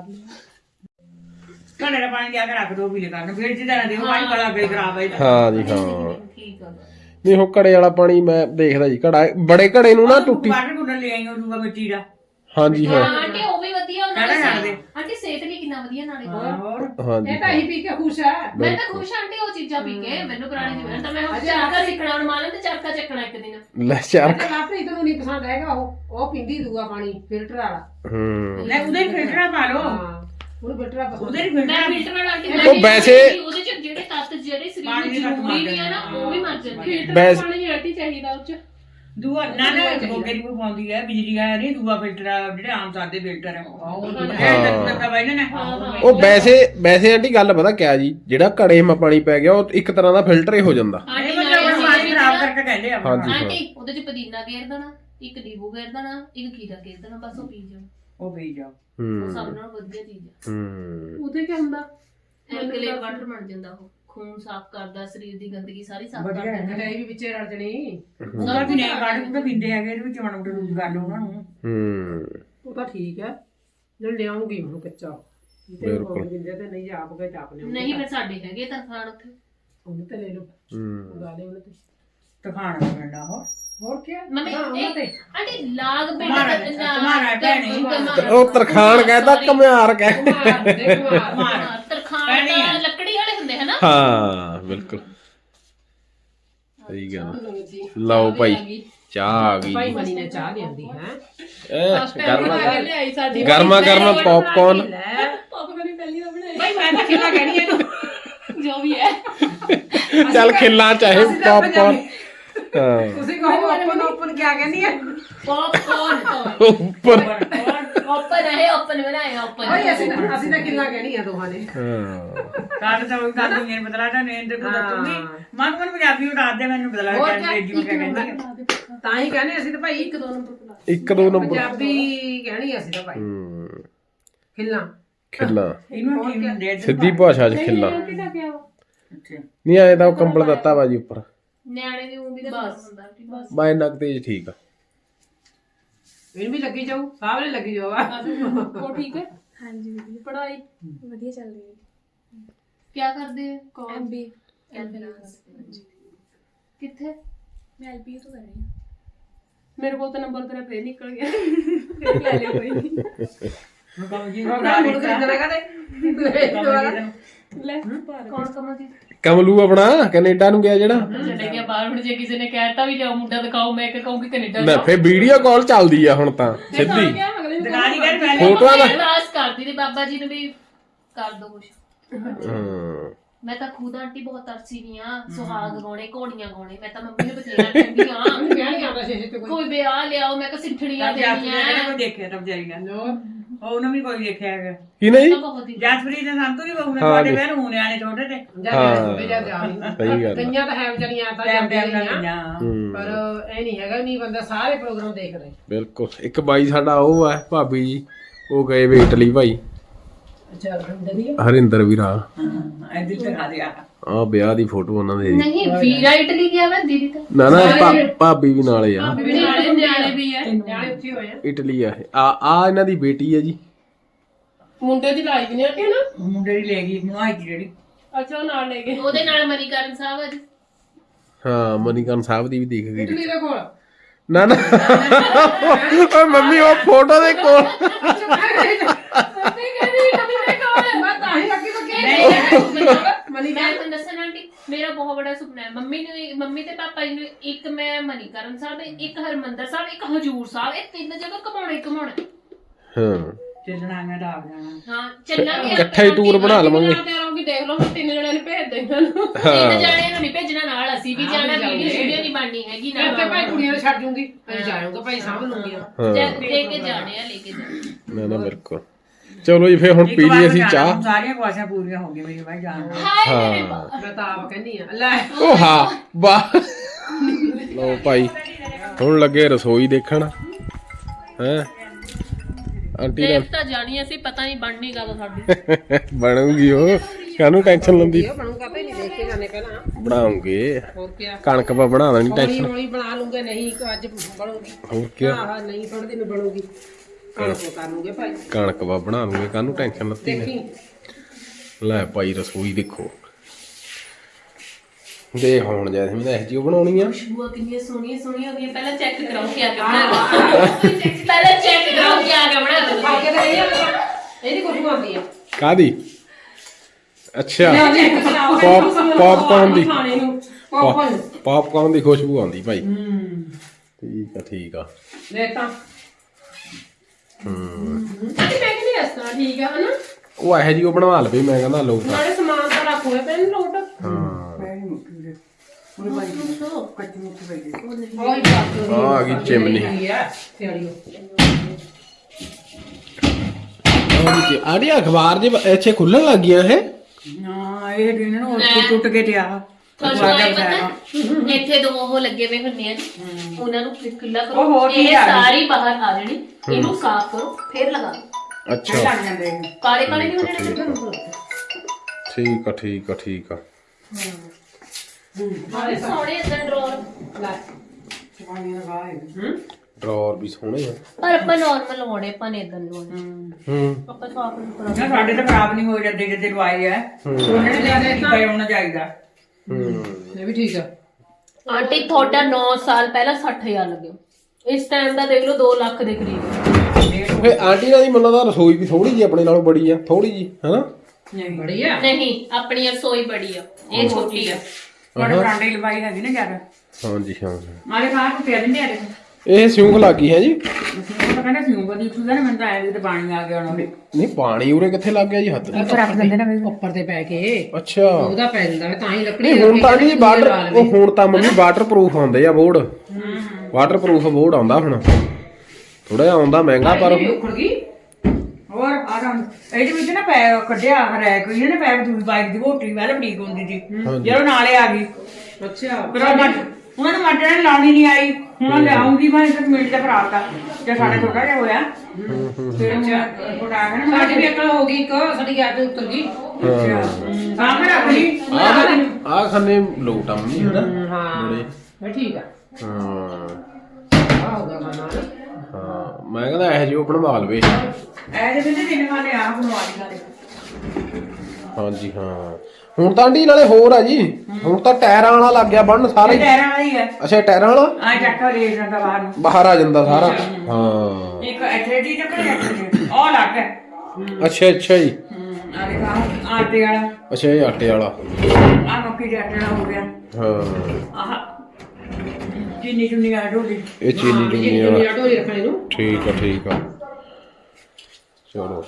[SPEAKER 3] ਘੜੇ ਦਾ ਪਾਣੀ ਲਿਆ ਕੇ ਰੱਖ ਦੋ ਪੀਲੇ ਕਰਨ ਫਿਰ ਜਿੱਦਾਂ ਨਾ ਦਿਓ ਪਾਣੀ ਬੜਾ ਬੇ ਖਰਾਬ ਹੈ
[SPEAKER 2] ਹਾਂ ਜੀ ਹਾਂ
[SPEAKER 1] ਠੀਕ ਆ
[SPEAKER 2] ਨਹੀਂ ਉਹ ਘੜੇ ਵਾਲਾ ਪਾਣੀ ਮੈਂ ਦੇਖਦਾ ਜੀ ਘੜਾ ਬੜੇ ਘੜੇ ਨੂੰ ਨਾ ਟੁੱਟੀ
[SPEAKER 3] ਵਾਟਰ ਕੂਲਰ ਲੈ ਆਈ ਉਹ ਦੂਆ ਮਿੱਟੀ ਦਾ
[SPEAKER 2] ਹਾਂਜੀ ਹਾਂ
[SPEAKER 1] ਆਂਟੀ ਉਹ ਵੀ ਵਧੀਆ
[SPEAKER 3] ਕਿਹੜਾ ਛੱਡਦੇ?
[SPEAKER 1] ਆਂਟੀ ਸਿਹਤ ਲਈ ਕਿੰਨਾ ਵਧੀਆ ਨਾਲੇ
[SPEAKER 3] ਹੋਰ
[SPEAKER 2] ਹਾਂਜੀ
[SPEAKER 4] ਇਹ ਤਾਂ ਹੀ ਪੀ ਕੇ ਖੁਸ਼ ਹੈ।
[SPEAKER 1] ਮੈਂ ਤਾਂ ਖੁਸ਼ ਆਂ ਆਂਟੀ ਉਹ ਚੀਜ਼ਾਂ ਪੀ ਕੇ ਮੈਨੂੰ ਪੁਰਾਣੀ ਜਿਵੇਂ ਤਾਂ ਮੈਂ ਹੁਣ ਚਰਖਾ ਸਿੱਖਣਾ ਹੁਣ ਮਾਰਨ ਤੇ ਚਰਖਾ ਚੱਕਣਾ ਇੱਕ ਦਿਨ
[SPEAKER 2] ਲੈ ਚਾਰ
[SPEAKER 4] ਤੇ ਲਾਪਰੀ ਤੈਨੂੰ ਨਹੀਂ ਪਸੰਦ ਹੈਗਾ ਉਹ ਪੀਂਦੀ ਦੂਆ ਪਾਣੀ ਫਿਲਟਰ ਵਾਲਾ।
[SPEAKER 3] ਲੈ ਉਹਦੇ ਫਿਲਟਰ ਪਾ ਲਓ
[SPEAKER 4] ਹਾਂ ਉਹਨੂੰ ਫਿਲਟਰ ਵਾਲਾ ਪਸੰਦ।
[SPEAKER 3] ਉਹਦੇ
[SPEAKER 1] ਮੈਂ
[SPEAKER 3] ਫਿਲਟਰ
[SPEAKER 1] ਫਿਲਟਰ ਨਾਲ ਆਂਟੀ
[SPEAKER 2] ਉਹ ਵੈਸੇ-
[SPEAKER 1] ਉਹਦੇ ਚ ਜਿਹੜੇ ਤੱਤ ਜਿਹੜੇ ਸਰੀਰ
[SPEAKER 3] ਪਾਣੀ
[SPEAKER 1] ਨੂੰ
[SPEAKER 3] ਦੇ ਤੱਤ
[SPEAKER 1] ਜ਼ਰੂਰੀ
[SPEAKER 3] ਮਰ
[SPEAKER 1] ਨਹੀਂ ਆ ਨਾ ਉਹ ਵੀ ਮਰ ਜਾਂਦੇ ਆ।
[SPEAKER 2] ਬੈਸ
[SPEAKER 5] ਪਾਣੀ ਆਂਟੀ ਚਾਹੀਦਾ ਉਹ ਚ
[SPEAKER 3] ਦੂਆ ਨਾ ਨਾ ਗੋਗੇ ਦੀ ਪਾਉਂਦੀ ਹੈ ਬਿਜਲੀ ਦਾ ਨਹੀਂ ਦੂਆ ਫਿਲਟਰ ਜਿਹੜੇ ਆਮ ਸਾਦੇ ਫਿਲਟਰ ਹੈ ਉਹ ਤਾਂ ਬੈਠੇ ਨੇ
[SPEAKER 2] ਉਹ ਵੈਸੇ ਆਂਟੀ ਗੱਲ ਪਤਾ ਕਿਆ ਜੀ ਜਿਹੜਾ ਘੜੇ ਮਾ ਪਾਣੀ ਪੈ ਗਿਆ ਉਹ ਇੱਕ ਤਰ੍ਹਾਂ ਦਾ ਫਿਲਟਰ ਹੀ ਹੋ ਜਾਂਦਾ
[SPEAKER 1] ਆਂਟੀ
[SPEAKER 3] ਇਹ ਮਤਲਬ ਪਾਣੀ ਖਰਾਬ ਕਰਕੇ ਕਹਿੰਦੇ ਆ
[SPEAKER 2] ਹਾਂਜੀ ਹਾਂ
[SPEAKER 1] ਆਂਟੀ ਉਹਦੇ ਚ ਪੁਦੀਨਾ ਗੇਰ ਦੇਣਾ ਇੱਕ ਨਿੰਬੂ ਗੇਰ ਦੇਣਾ ਇੱਕ ਖੀਰਾ ਗੇਰ ਦੇਣਾ ਬਸ ਉਹ ਪੀ ਜਾਓ
[SPEAKER 3] ਉਹ ਪੀ ਜਾਓ
[SPEAKER 1] ਉਹ ਸਭ ਨਾਲੋਂ ਵਧੀਆ ਚੀਜ਼ ਆ
[SPEAKER 5] ਉਹਦੇ ਕੀ ਹੁੰਦਾ
[SPEAKER 1] ਐਲਕਲੇ ਵਾਟਰ ਬਣ ਜਾਂਦਾ ਉਹ ਖੂਨ ਸਾਫ਼ ਕਰਦਾ ਸਰੀਰ ਦੀ ਗੰਦਗੀ ਸਾਰੀ ਸਾਫ਼
[SPEAKER 3] ਵਧੀਆ
[SPEAKER 1] ਕਰ
[SPEAKER 3] ਹੈ
[SPEAKER 1] ਦਿੰਦਾ
[SPEAKER 4] ਇਹ ਵੀ ਵਿੱਚੇ ਰਲ ਜਣੀ।
[SPEAKER 3] ਉਹਦਾ ਵੀ ਨਹੀਂ ਕਾੜ ਕੇ ਪੀਂਦੇ ਹੈਗੇ ਇਹਦੇ ਵਿੱਚ ਮਨ ਮੋਟਾ ਕਰ ਲਓ ਉਹਨਾਂ ਨੂੰ
[SPEAKER 4] ਉਹ ਤਾਂ ਠੀਕ ਹੈ ਜਦ ਲਿਆਉਂਗੀ ਹੁਣ ਕੱਚਾ ਤੇ
[SPEAKER 2] ਬਿਲਕੁਲ।
[SPEAKER 4] ਉਹ ਦਿੰਦੇ ਤੇ ਨਹੀਂ ਆਪ ਗਏ ਚਾਪ ਲਿਆਉਂਗੇ।
[SPEAKER 1] ਨਹੀਂ ਫਿਰ ਸਾਡੇ ਹੈਗੇ ਤਰਖਾਣ ਉੱਥੇ
[SPEAKER 4] ਉਹਨੂੰ ਤੇ ਲੈ ਲਓ ਉਗਾ ਲੈ ਉਹਨੇ ਤੇ
[SPEAKER 3] ਤਾਂ ਖਾਣਾ ਪੈਂਦਾ ਉਹ
[SPEAKER 4] ਹੋਰ ਕੀ
[SPEAKER 1] ਮੰਮੀ
[SPEAKER 4] ਤੇ
[SPEAKER 1] ਆਂਟੀ ਲਾਗ
[SPEAKER 3] ਤੁਹਾਡਾ ਭੈਣੀ।
[SPEAKER 2] ਉਹ ਤਰਖਾਣ ਕਹਿੰਦਾ ਘਮਿਆਰ ਕਹਿ
[SPEAKER 1] ਤਰਖਾਣ ਤਾਂ ਲੱਕੜੀ ਵਾਲੇ ਹੁੰਦੇ ਹਨਾ
[SPEAKER 2] ਹਾਂ ਬਿਲਕੁਲ ਸਹੀ ਗੱਲ ਲਓ ਭਾਈ ਚਾਹ ਆ ਗਈ
[SPEAKER 4] ਭਾਈ ਮਨੀ ਨੇ ਚਾਹ ਲਿਆਂਦੀ ਹੈ
[SPEAKER 2] ਗਰਮਾ
[SPEAKER 5] ਲਿਆਈ ਸਾਡੀ
[SPEAKER 2] ਗਰਮਾ ਗਰਮਾ ਪੌਪਕੌਰਨ
[SPEAKER 5] ਪਾਪਾ ਕਰੀ ਪਹਿਲੀ ਦਾ ਬਣਾਇਆ
[SPEAKER 4] ਭਾਈ ਮੈਂ ਤਾਂ ਕਿਹੜਾ ਕਹਿਣੀ ਇਹਨੂੰ
[SPEAKER 5] ਜੋ ਵੀ ਹੈ
[SPEAKER 2] ਚੱਲ ਖਿੱਲਾ ਚਾਹੇ ਪੌਪਕੌਰਨ ਹਾਂ
[SPEAKER 4] ਤੁਸੀਂ ਕਹੋ ਓਪਨ ਕਿਆ ਕਹਿੰਦੀ ਹੈ
[SPEAKER 1] ਪੌਪਕੌਰਨ
[SPEAKER 2] ਉੱਪਰ
[SPEAKER 1] ਓਪਨ ਹੈ ਓਪਨ ਬਣਾਇਆ ਓਪਨ
[SPEAKER 4] ਭਾਈ ਅਸੀਂ ਤਾਂ ਕਿੰਨਾ ਕਹਿਣੀ ਆ ਦੋਹਾਂ ਨੇ।
[SPEAKER 2] ਹਾਂ
[SPEAKER 3] ਕਾਦ ਤਾਂ ਉਹ ਗੱਲ ਨਹੀਂ ਬਦਲਾ ਤਾਂ ਨਹੀਂ ਤੇ ਬਦਲੂਗੀ ਮਨ ਪੰਜਾਬੀ ਉਡਾ ਦੇ ਮੈਨੂੰ ਬਦਲਾ
[SPEAKER 4] ਹੋਰ
[SPEAKER 3] ਕੇ
[SPEAKER 4] ਕਿਆ?
[SPEAKER 3] ਅੰਗਰੇਜ਼ੀ ਨੂੰ ਕਹਿੰਦੀ
[SPEAKER 4] ਤਾਂ ਹੀ ਕਹਿੰਦੇ ਅਸੀਂ ਤਾਂ ਭਾਈ
[SPEAKER 5] ਇੱਕ ਦੋ ਨੰਬਰ ਬੁਲਾ
[SPEAKER 2] ਇੱਕ ਦੋ ਨੰਬਰ
[SPEAKER 4] ਪੰਜਾਬੀ ਕਹਿਣੀ ਅਸੀਂ ਤਾਂ ਭਾਈ ਖਿੱਲਾਂ
[SPEAKER 2] ਖਿੱਲਾ
[SPEAKER 3] ਇਹਨੂੰ ਕੀ ਹੁੰਦੇ ਆ
[SPEAKER 2] ਸਿੱਧੀ ਭਾਸ਼ਾ ਚ ਖਿੱਲਾ
[SPEAKER 5] ਕਿਹਦਾ ਕਿਹਾ ਵਾ
[SPEAKER 3] ਅੱਛਾ
[SPEAKER 2] ਨਹੀਂ ਆਏ ਤਾਂ ਉਹ ਕੰਬਲ ਦਿੱਤਾ ਬਾਜੀ ਉੱਪਰ
[SPEAKER 1] ਨਿਆਣੇ ਦੀ ਉਮਰ ਦਾ ਫਰਕ ਹੁੰਦਾ ਬਸ
[SPEAKER 2] ਬਾਈ ਨੱਕ ਤੇਜ ਠੀਕ ਆ
[SPEAKER 4] ਇਹਨੂੰ ਵੀ ਲੱਗੀ ਜਾਊ ਸਾਹਮਣੇ ਲੱਗੀ ਜਾਊ
[SPEAKER 5] ਉਹ ਠੀਕ ਹੈ
[SPEAKER 6] ਹਾਂਜੀ ਦੀਦੀ
[SPEAKER 5] ਪੜਾਈ
[SPEAKER 6] ਵਧੀਆ ਚੱਲ ਰਹੀ ਹੈ
[SPEAKER 1] ਕੀ ਕਰਦੇ ਆ ਕੌਣ
[SPEAKER 6] ਐਮਬੀ
[SPEAKER 1] ਕਿੱਥੇ
[SPEAKER 6] ਮੈਂ ਐਲਪੀਯੂ ਤੋਂ ਕਰ ਰਹੀ ਹਾਂ
[SPEAKER 5] ਮੇਰੇ ਕੋਲ ਤਾਂ ਨੰਬਰ ਤੇਰਾ ਫੇਰ ਨਿਕਲ ਗਿਆ ਫੇਰ ਲੈ ਲਿਆ ਕੋਈ ਨਹੀਂ
[SPEAKER 3] ਮੈਂ ਕਹਾਂ ਜੀ
[SPEAKER 4] ਮੁੜ ਖਰੀਦਣਾ ਕਦੇ
[SPEAKER 5] ਲੈ
[SPEAKER 1] ਕੌਣ ਕਮਲ
[SPEAKER 2] ਕਮਲੂ ਆਪਣਾ ਕੈਨੇਡਾ ਨੂੰ ਗਿਆ ਜਿਹੜਾ
[SPEAKER 1] ਚਲੇ ਗਿਆ ਬਾਹਰ ਹੁਣ ਜੇ ਕਿਸੇ ਨੇ ਕਹਿਤਾ ਵੀ ਲਿਆਓ ਮੁੰਡਾ ਦਿਖਾਓ ਮੈਂ ਕਿ ਕਹੂੰਗੀ ਕੈਨੇਡਾ
[SPEAKER 2] ਨਾ ਫੇ ਵੀਡੀਓ ਕਾਲ ਚੱਲਦੀ ਆ ਹੁਣ ਤਾਂ ਸਿੱਧੀ
[SPEAKER 5] ਕਿਹਾ ਅਗਲੇ ਨੂੰ
[SPEAKER 3] ਦੁਕਾਨੀ ਕਰ ਪਹਿਲੇ
[SPEAKER 2] ਫੋਟੋਆਂ ਦਾ
[SPEAKER 1] ਕਲਾਸ ਕਰਦੀ ਤੇ ਬਾਬਾ ਜੀ ਨੂੰ ਵੀ ਕਰ ਦੋ ਕੁਛ
[SPEAKER 2] ਹਾਂ
[SPEAKER 1] ਮੈਂ ਤਾਂ ਖੁਦ ਆਂਟੀ ਬਹੁਤ ਤਰਸੀ ਵੀ ਆ ਸੁਹਾਗ ਗਾਉਣੇ ਘੋੜੀਆਂ ਗਾਉਣੇ ਮੈਂ ਤਾਂ ਮੰਮੀ ਨੂੰ ਬਥੇਰਾ ਕਹਿੰਦੀ ਆ
[SPEAKER 4] ਕਹਿਣੀ ਆਉਂਦਾ ਸ਼ੇਸ਼ੇ ਤੇ ਕੋਈ
[SPEAKER 1] ਕੋਈ ਵਿਆਹ ਲਿਆਓ ਮੈਂ ਕਿਹਾ ਸਿੰਠੜੀਆਂ
[SPEAKER 3] ਜਾਸਪ੍ਰੀਤ ਨੇ
[SPEAKER 1] ਦੇਣੀਆਂ
[SPEAKER 3] ਕੋਈ ਦੇਖਿਆ ਤਾਂ ਵਿਚਾਰੀ ਨੇ ਉਹਨੂੰ ਵੀ ਕੋਈ ਦੇਖਿਆ ਹੈਗਾ
[SPEAKER 2] ਕੀ ਨਹੀਂ
[SPEAKER 1] ਤਾਂ ਬਹੁਤ ਹੀ
[SPEAKER 3] ਜਾਸਪ੍ਰੀਤ ਦੇ ਸੰਤੂ ਵੀ ਬਹੂ ਨੇ
[SPEAKER 2] ਹਾਂ
[SPEAKER 3] ਤੁਹਾਡੇ
[SPEAKER 2] ਜੀ।
[SPEAKER 3] ਘਰ ਹੋਣੇ ਆਣੇ ਛੋਟੇ ਤੇ
[SPEAKER 2] ਸਹੀ ਗੱਲ ਆ।
[SPEAKER 4] ਕਈਆਂ ਤਾਂ ਹੈ ਵਿਚਾਰੀਆਂ ਤਾਂ
[SPEAKER 3] ਟਾਈਮ
[SPEAKER 4] ਜਾਂਦੀਆਂ
[SPEAKER 3] ਟਾਈਮ
[SPEAKER 4] ਰਹੀਆਂ
[SPEAKER 3] ਨਾਲ
[SPEAKER 4] ਪਰ ਇਹ ਨਹੀਂ ਹੈਗਾ ਨਹੀਂ ਬੰਦਾ ਸਾਰੇ ਪ੍ਰੋਗਰਾਮ ਦੇਖ ਰਹੇ।
[SPEAKER 2] ਬਿਲਕੁਲ ਇੱਕ ਬਾਈ ਸਾਡਾ ਉਹ ਆ ਭਾਬੀ ਜੀ ਉਹ ਗਏ ਵੇ ਇਟਲੀ ਭਾਈ
[SPEAKER 4] ਅੱਛਾ ਰੰਦੇ ਦੀ
[SPEAKER 2] ਹਰਿੰਦਰ ਵੀਰਾ
[SPEAKER 3] ਹਾਂ ਐਦੀ ਤੇ ਖਾ ਦਿਆ
[SPEAKER 2] ਆ ਵਿਆਹ ਦੀ ਫੋਟੋ ਉਹਨਾਂ ਦੇ
[SPEAKER 1] ਨਹੀਂ ਵੀਰਾ ਇਟਲੀ ਗਿਆ ਵਾ ਦੀਦੀ ਤਾਂ
[SPEAKER 2] ਨਾ ਨਾ ਭਾਬੀ ਵੀ ਨਾਲੇ ਆ
[SPEAKER 1] ਨਿਆਣੇ ਵੀ ਹੈ
[SPEAKER 4] ਨਿਆਣੇ ਉੱਥੇ ਹੋਏ ਆ
[SPEAKER 2] ਇਟਲੀ ਆ ਇਹ। ਆ ਇਹਨਾਂ ਦੀ ਬੇਟੀ ਹੈ ਜੀ
[SPEAKER 5] ਮੁੰਡੇ ਦੀ ਲਾਈਵ ਨਹੀਂ ਆਟੀ ਨਾ
[SPEAKER 3] ਮੁੰਡੇ ਦੀ ਲੈ ਗਈ ਮੋਹਾਈ ਦੀ ਜਿਹੜੀ
[SPEAKER 5] ਅੱਛਾ ਉਹ ਨਾਲ ਲੈ ਗਏ
[SPEAKER 1] ਉਹਦੇ ਨਾਲ ਮਨੀਕਰਨ ਸਾਹਿਬ ਅੱਜ
[SPEAKER 2] ਹਾਂ ਮਨੀਕਰਨ ਸਾਹਿਬ ਦੀ ਵੀ ਦੇਖ ਗਈ
[SPEAKER 4] ਇਟਲੀ ਦੇ ਕੋਲ
[SPEAKER 2] ਨਾ ਨਾ ਓਏ ਮੰਮੀ ਉਹ ਫੋਟੋ ਦੇ ਕੋਲ
[SPEAKER 4] ਮੈਂ ਤਾਂ ਹੀ ਅੱਗੇ ਤੋਂ
[SPEAKER 1] ਮੈਂ ਤੁਹਾਨੂੰ ਦੱਸਣਾ ਆਂਟੀ ਮੇਰਾ ਬਹੁਤ ਬੜਾ ਸੁਪਨਾ ਹੈ ਮੰਮੀ ਤੇ ਪਾਪਾ ਜੀ ਨੂੰ ਇੱਕ ਮੈਂ ਮਨੀਕਰਨ ਸਾਹਿਬ ਇੱਕ ਹਰਮੰਦਰ ਸਾਹਿਬ ਇੱਕ ਹਜੂਰ ਸਾਹਿਬ ਇਹ ਤਿੰਨ ਜਗ੍ਹਾ ਘਮਾਉਣਾ
[SPEAKER 2] ਹਾਂ
[SPEAKER 3] ਚੱਲਣਾ ਮੈਂ ਡਾਬ ਜਾਣਾ
[SPEAKER 1] ਹਾਂ ਚੱਲਾਂਗੇ
[SPEAKER 2] ਇਕੱਠਾ ਹੀ ਟੂਰ ਬਣਾ ਲਵਾਂਗੇ
[SPEAKER 5] ਕਿ ਦੇਖ ਲਓ ਤਿੰਨ ਜਣਿਆਂ ਨੂੰ ਭੇਜ ਦੇ ਇਹਨਾਂ ਨੂੰ
[SPEAKER 1] ਤਿੰਨ ਜਾਣਿਆਂ ਨੂੰ ਨਹੀਂ ਭੇਜਣਾ ਨਾਲ ਅਸੀਂ ਵੀ ਜਾਣਾ ਵੀਡੀਓ ਨਹੀਂ ਬਣਨੀ ਹੈਗੀ
[SPEAKER 4] ਮੈਂ ਤੇ
[SPEAKER 1] ਨਾਲ
[SPEAKER 4] ਭਾਈ ਕੁੜੀਆਂ ਨੂੰ ਛੱਡ ਜੂੰਗੀ ਮੈਂ ਜਾਊਂਗਾ ਭਾਈ ਸਾਂਭ ਲੂੰਗੀ
[SPEAKER 2] ਹਾਂ
[SPEAKER 1] ਲੈ ਕੇ ਜਾਣੇ ਆ ਲੈ ਕੇ ਜਾਣੇ
[SPEAKER 2] ਨਾ ਨਾ ਬਿਲਕੁਲ ਚਲੋ ਜੀ ਫੇਰ ਹੁਣ ਪੀ ਲਈ ਅਸੀਂ ਚਾਹ
[SPEAKER 3] ਸਾਰੀਆਂ ਖੁਆਇਸ਼ਾਂ ਪੂਰੀਆਂ ਹੋ ਗਈਆਂ ਮੇਰੀ ਭਾਈ ਜਾਨ ਨੂੰ
[SPEAKER 1] ਹਾਏ ਮੇਰੇ
[SPEAKER 4] ਮੈਂ ਤਾਂ ਆਪ ਕਹਿੰਦੀ ਆ ਲੈ
[SPEAKER 2] ਉਹ ਹਾਂ ਵਾਹ ਲਓ ਭਾਈ ਹੁਣ ਲੱਗੇ ਰਸੋਈ ਦੇਖਣ ਹੈ ਆਂਟੀ
[SPEAKER 1] ਦੇਖ ਤਾਂ ਜਾਣੀ ਅਸੀਂ ਪਤਾ ਨਹੀਂ ਬਣਨੀ ਗੱਲ ਸਾਡੀ
[SPEAKER 2] ਬਣੂਗੀ ਉਹ ਕਾਹਨੂੰ ਟੈਨਸ਼ਨ ਲੰਦੀ
[SPEAKER 4] ਇਹ ਬਣੂਗਾ ਤਾਂ ਨਹੀਂ ਦੇਖ ਕੇ ਜਾਣੇ ਪਹਿਲਾਂ
[SPEAKER 2] ਬਣਾਉਂਗੇ
[SPEAKER 4] ਹੋਰ ਕੀ
[SPEAKER 2] ਕਣਕ ਪਾ ਬਣਾ ਦੇਣੀ
[SPEAKER 4] ਹੌਲੀ
[SPEAKER 2] ਟੈਨਸ਼ਨ
[SPEAKER 4] ਹੌਲੀ ਬਣਾ ਲੂੰਗੇ ਨਹੀਂ ਕਿ ਅੱਜ ਬਣੂਗੀ
[SPEAKER 2] ਹੋਰ ਕੀ
[SPEAKER 4] ਆਹ ਨਹੀਂ ਥੋੜੇ ਦਿਨ ਬਣੂਗੀ ਕਣਕ ਕਰ ਲੂੰਗੇ ਭਾਈ
[SPEAKER 2] ਕਣਕ ਪਾ ਬਣਾ ਲੂਗੇ ਕਾਹਨੂੰ ਟੈਨਸ਼ਨ ਲੱਤੀ ਨੇ
[SPEAKER 4] ਦੇਖੀ
[SPEAKER 2] ਲੈ ਭਾਈ ਰਸੋਈ ਦੇਖੋ ਦੇ ਹੁਣ ਜੈਸਮੀਨ ਇਹ ਜੀ ਬਣਾਉਣੀ ਆ
[SPEAKER 1] ਖੁਸ਼ਬੂਆਂ ਕਿੰਨੀਆਂ ਸੋਹਣੀਆਂ ਸੋਹਣੀਆਂ ਹੁੰਦੀਆਂ ਪਹਿਲਾਂ ਚੈੱਕ ਕਰਾਓ ਕੀ ਆ ਕੇ ਬਣਾ ਪਹਿਲਾਂ ਚੈੱਕ ਕਰਾਓ ਕੀ ਆ ਕੇ ਬਣਾ
[SPEAKER 4] ਖਾ ਕੇ ਤਾਂ ਇਹਦੀ ਕੁਝ ਆਉਂਦੀ ਆ
[SPEAKER 2] ਕਾਦੀ ਅੱਛਾ
[SPEAKER 4] ਪੌਪ
[SPEAKER 2] ਪੌਪਕਾਰਨ ਦੀ
[SPEAKER 4] ਖਾਣੇ ਨੂੰ ਪੌਪਕਾਰਨ
[SPEAKER 2] ਪੌਪਕਾਰਨ ਦੀ ਖੁਸ਼ਬੂ ਆਉਂਦੀ ਭਾਈ ਠੀਕ ਆ
[SPEAKER 4] ਦੇਖ ਤਾਂ
[SPEAKER 5] ਮੈਂ ਕਹਿੰਦੀ ਇਸ ਤਰ੍ਹਾਂ ਠੀਕ ਆ ਹਨਾ
[SPEAKER 2] ਉਹ ਇਹੋ ਜੀ ਉਹ ਬਣਵਾ ਲਵੇ ਮੈਂ ਕਹਿੰਦਾ ਲੋਕ
[SPEAKER 5] ਨਾਲੇ ਸਮਾਨ ਤਾਂ ਰੱਖੋ ਇਹ ਪੈਨ ਲੋਟ
[SPEAKER 2] ਹਾਂ
[SPEAKER 4] ਹੋਈ ਬਾਤ
[SPEAKER 2] ਆ ਗਈ ਚਿਮਨੀ ਆੜੀ ਅਖਬਾਰ ਦੇ ਇੱਥੇ ਖੁੱਲਣ ਲੱਗ ਗਿਆ ਹੈ
[SPEAKER 3] ਹਾਂ ਇਹ ਦਿਨ ਨੂੰ ਟੁੱਟ ਕੇ ਤੇ ਆ
[SPEAKER 1] ਤੁਹਾਨੂੰ ਇਹ ਪਤਾ ਇੱਥੇ ਦੋ ਉਹ ਲੱਗੇ ਹੋਏ ਹੁੰਦੇ ਆ ਉਹਨਾਂ ਨੂੰ ਖੁੱਲਾ
[SPEAKER 3] ਉਹ ਹੋਰ
[SPEAKER 1] ਕਰੋ
[SPEAKER 3] ਕੀ
[SPEAKER 1] ਇਹ
[SPEAKER 3] ਆ ਗਈ?
[SPEAKER 1] ਸਾਰੀ ਬਾਹਰ ਆ ਜਾਣੀ ਇਹਨੂੰ ਸਾਫ਼ ਕਰੋ ਫਿਰ ਲਗਾ ਦਿਓ
[SPEAKER 2] ਅੱਛਾ
[SPEAKER 3] ਲੱਗ ਜਾਂਦੇ ਨੇ
[SPEAKER 1] ਕਾਲੇ ਕਾਲੇ ਨਹੀਂ ਹੋਣੇ
[SPEAKER 2] ਠੀਕ ਆ
[SPEAKER 1] ਸੋਹਣੇ ਅੰਦਰ ਡਰੋਰ
[SPEAKER 3] ਪਾਣੀ ਦਾ ਗਾਹ
[SPEAKER 2] ਡਰਾਅਰ ਵੀ ਸੋਹਣੇ ਆ
[SPEAKER 1] ਪਰ ਆਪਾਂ ਨਾਰਮਲ ਹੋਣੇ ਆਪਾਂ ਨੇ ਇਦਾਂ ਲੋਣੇ ਆਪਾਂ ਸਾਫ਼ ਨਹੀਂ ਕਰਾਂਗੇ
[SPEAKER 3] ਨਾ ਸਾਡੇ ਤਾਂ ਖਰਾਬ ਨਹੀਂ ਹੋ ਜਾਂਦੇ ਜਿੱਦੇ ਲਵਾਏ ਆ ਉਹਨਾਂ ਨੇ ਜਿਆਦਾ ਪਏ ਹੋਣਾ ਚਾਹੀਦਾ
[SPEAKER 4] ਇਹ ਵੀ ਠੀਕ ਆ
[SPEAKER 1] ਆਂਟੀ ਤੁਹਾਡਾ 9 ਸਾਲ ਪਹਿਲਾਂ 60000 ਲੱਗਿਆ ਇਸ ਟਾਈਮ ਦਾ ਦੇਖ ਲਓ 2 ਲੱਖ ਦੇ ਕਰੀਬ
[SPEAKER 2] ਫੇ ਆਂਟੀ ਨਾਲ ਦੀ ਮੰਨ ਦਾ ਰਸੋਈ ਵੀ ਥੋੜੀ ਜੀ ਆਪਣੇ ਨਾਲੋਂ ਬੜੀ ਆ ਥੋੜੀ ਜੀ ਹੈਨਾ
[SPEAKER 3] ਨਹੀਂ
[SPEAKER 4] ਬੜੀ ਆ
[SPEAKER 1] ਨਹੀਂ ਆਪਣੀ ਰਸੋਈ ਬੜੀ ਆ ਇਹ ਛੋਟੀ ਆ
[SPEAKER 3] ਤੁਹਾਡੇ ਬਰਾਂਡੇ ਲਵਾਈ ਹੈਗੀ ਨਾ ਜ਼ਿਆਦਾ
[SPEAKER 2] ਹਾਂਜੀ ਹਾਂ
[SPEAKER 3] ਆਲੇ ਖਾਂ ਟੁੱਟਿਆ ਦਿੰਦੇ ਆ ਦੇਖੋ
[SPEAKER 2] ਇਹ ਸਿਉਂਖ ਲੱਗੀ ਹੈ ਜੀ
[SPEAKER 3] ਉਹ ਤਾਂ ਕਹਿੰਦਾ ਸਿਉਂ ਬਦੀ ਉੱਠਦਾ ਨਾ ਮੈਨੂੰ ਤਾਂ ਐ ਤੇ ਪਾਣੀ ਆ ਗਿਆ ਉਹਨਾਂ ਦੇ
[SPEAKER 2] ਨਹੀਂ ਪਾਣੀ ਉਰੇ ਕਿੱਥੇ ਲੱਗ ਗਿਆ ਜੀ ਹੱਥ
[SPEAKER 3] ਉੱਪਰ ਰੱਖ ਦਿੰਦੇ ਨਾ
[SPEAKER 4] ਉੱਪਰ ਤੇ ਪੈ ਕੇ
[SPEAKER 2] ਅੱਛਾ
[SPEAKER 4] ਉਹਦਾ ਪੈ ਜਾਂਦਾ ਵੇ ਤਾਂ ਹੀ ਲੱਕੜੀ
[SPEAKER 2] ਨਹੀਂ ਹੁਣ ਤਾਂ ਨਹੀਂ ਵਾਟਰ ਉਹ ਹੁਣ ਤਾਂ ਮੰਮੀ ਵਾਟਰਪ੍ਰੂਫ ਆਉਂਦੇ ਆ ਬੋਰਡ ਵਾਟਰਪ੍ਰੂਫ ਬੋਰਡ ਆਉਂਦਾ ਹੁਣ ਥੋੜਾ ਜਿਹਾ ਆਉਂਦਾ ਮਹਿੰਗਾ ਪਰ
[SPEAKER 4] ਉਖੜ ਗਈ
[SPEAKER 3] ਹੋਰ ਆ ਰਹਾ ਇਹਦੇ ਵਿੱਚ ਨਾ ਪੈ ਕੱਢਿਆ ਰੈਕ ਵੀ ਇਹਨੇ ਪੈ ਦੂਜੀ ਬਾਈਕ ਦੀ ਮੋਟੀ ਵਾਲਾ ਬਰੀਕ ਹੁੰਦੀ ਸੀ ਜਦੋਂ ਨਾਲੇ ਆ ਗਈ
[SPEAKER 4] ਅੱਛਾ
[SPEAKER 3] ਪਰ ਉਹਨਾਂ ਨੂੰ ਮਟਰ ਨੇ ਲਾਉਣੀ ਨਹੀਂ ਆਈ ਹੁਣ ਲਿਆਉਂਗੀ ਮੈਂ ਇੱਕ ਮਿੰਟ ਦਾ ਫਰਾਤਾ ਜੇ ਸਾਡੇ ਛੋਟਾ ਜਿਹਾ ਹੋਇਆ ਫਿਰ ਛੋਟਾ ਆ ਗਿਆ ਨਾ
[SPEAKER 4] ਸਾਡੀ ਵੀ ਅਕਲ ਹੋ ਗਈ ਇੱਕ ਸਾਡੀ ਗੈਸ ਉੱਤਰ ਗਈ
[SPEAKER 3] ਸਾਹਮਣੇ ਰੱਖ ਲਈ
[SPEAKER 2] ਆ ਖੰਨੇ ਲੋਟ ਆ ਮੰਮੀ ਹਨਾ
[SPEAKER 4] ਹਾਂ
[SPEAKER 2] ਬੜੇ
[SPEAKER 4] ਇਹ ਠੀਕ ਆ
[SPEAKER 2] ਹਾਂ
[SPEAKER 4] ਆ ਹੋ ਗਿਆ ਮਨਾ
[SPEAKER 2] ਹਾਂ ਮੈਂ ਕਹਿੰਦਾ ਇਹ ਜਿਹੋ ਬਣਵਾ ਲਵੇ
[SPEAKER 3] ਐਦੇ ਵਿੱਚ ਦਿਨ ਵਾਲੇ ਆ ਬਣਵਾ ਲਈ ਨਾਲੇ
[SPEAKER 2] ਹਾਂਜੀ ਹਾਂ ਹੁਣ ਤਾਂ ਆਂਟੀ ਨਾਲੇ ਹੋਰ ਆ ਜੀ ਹੁਣ ਤਾਂ ਟਾਇਰਾਂ ਵਾਲਾ ਲੱਗ ਗਿਆ ਬਣਨ ਸਾਰੇ
[SPEAKER 3] ਇਹ ਟਾਇਰਾਂ ਵਾਲੀ ਹੈ
[SPEAKER 2] ਅੱਛਾ ਟਾਇਰਾਂ ਵਾਲਾ
[SPEAKER 3] ਆ ਚੱਕਾ ਰੇਸ ਜਾਂਦਾ ਬਾਹਰ ਨੂੰ
[SPEAKER 2] ਬਾਹਰ ਆ ਜਾਂਦਾ ਸਾਰਾ ਹਾਂ
[SPEAKER 3] ਇੱਕ ਇੱਥੇ ਦੀ ਚੱਕਰ ਉਹ ਲੱਗ ਹੈ
[SPEAKER 2] ਅੱਛਾ ਜੀ
[SPEAKER 3] ਆ ਦੇਖਾ ਆਟੇ ਵਾਲਾ
[SPEAKER 2] ਅੱਛਾ ਇਹ ਆਟੇ ਵਾਲਾ
[SPEAKER 3] ਆ ਮੱਕੀ ਦੇ ਆਟੇ ਵਾਲਾ ਹੋ ਗਿਆ
[SPEAKER 2] ਹਾਂ
[SPEAKER 3] ਆਹ ਚੀਨੀ ਚੁੰਨੀ ਆ ਢੋਲੀ
[SPEAKER 2] ਇਹ ਚੀਨੀ ਚੁੰਨੀ
[SPEAKER 4] ਇਹ
[SPEAKER 2] ਵਾਲਾ
[SPEAKER 4] ਢੋਲੀ ਰੱਖਣੇ ਨੂੰ
[SPEAKER 2] ਠੀਕ ਆ ਚਲੋ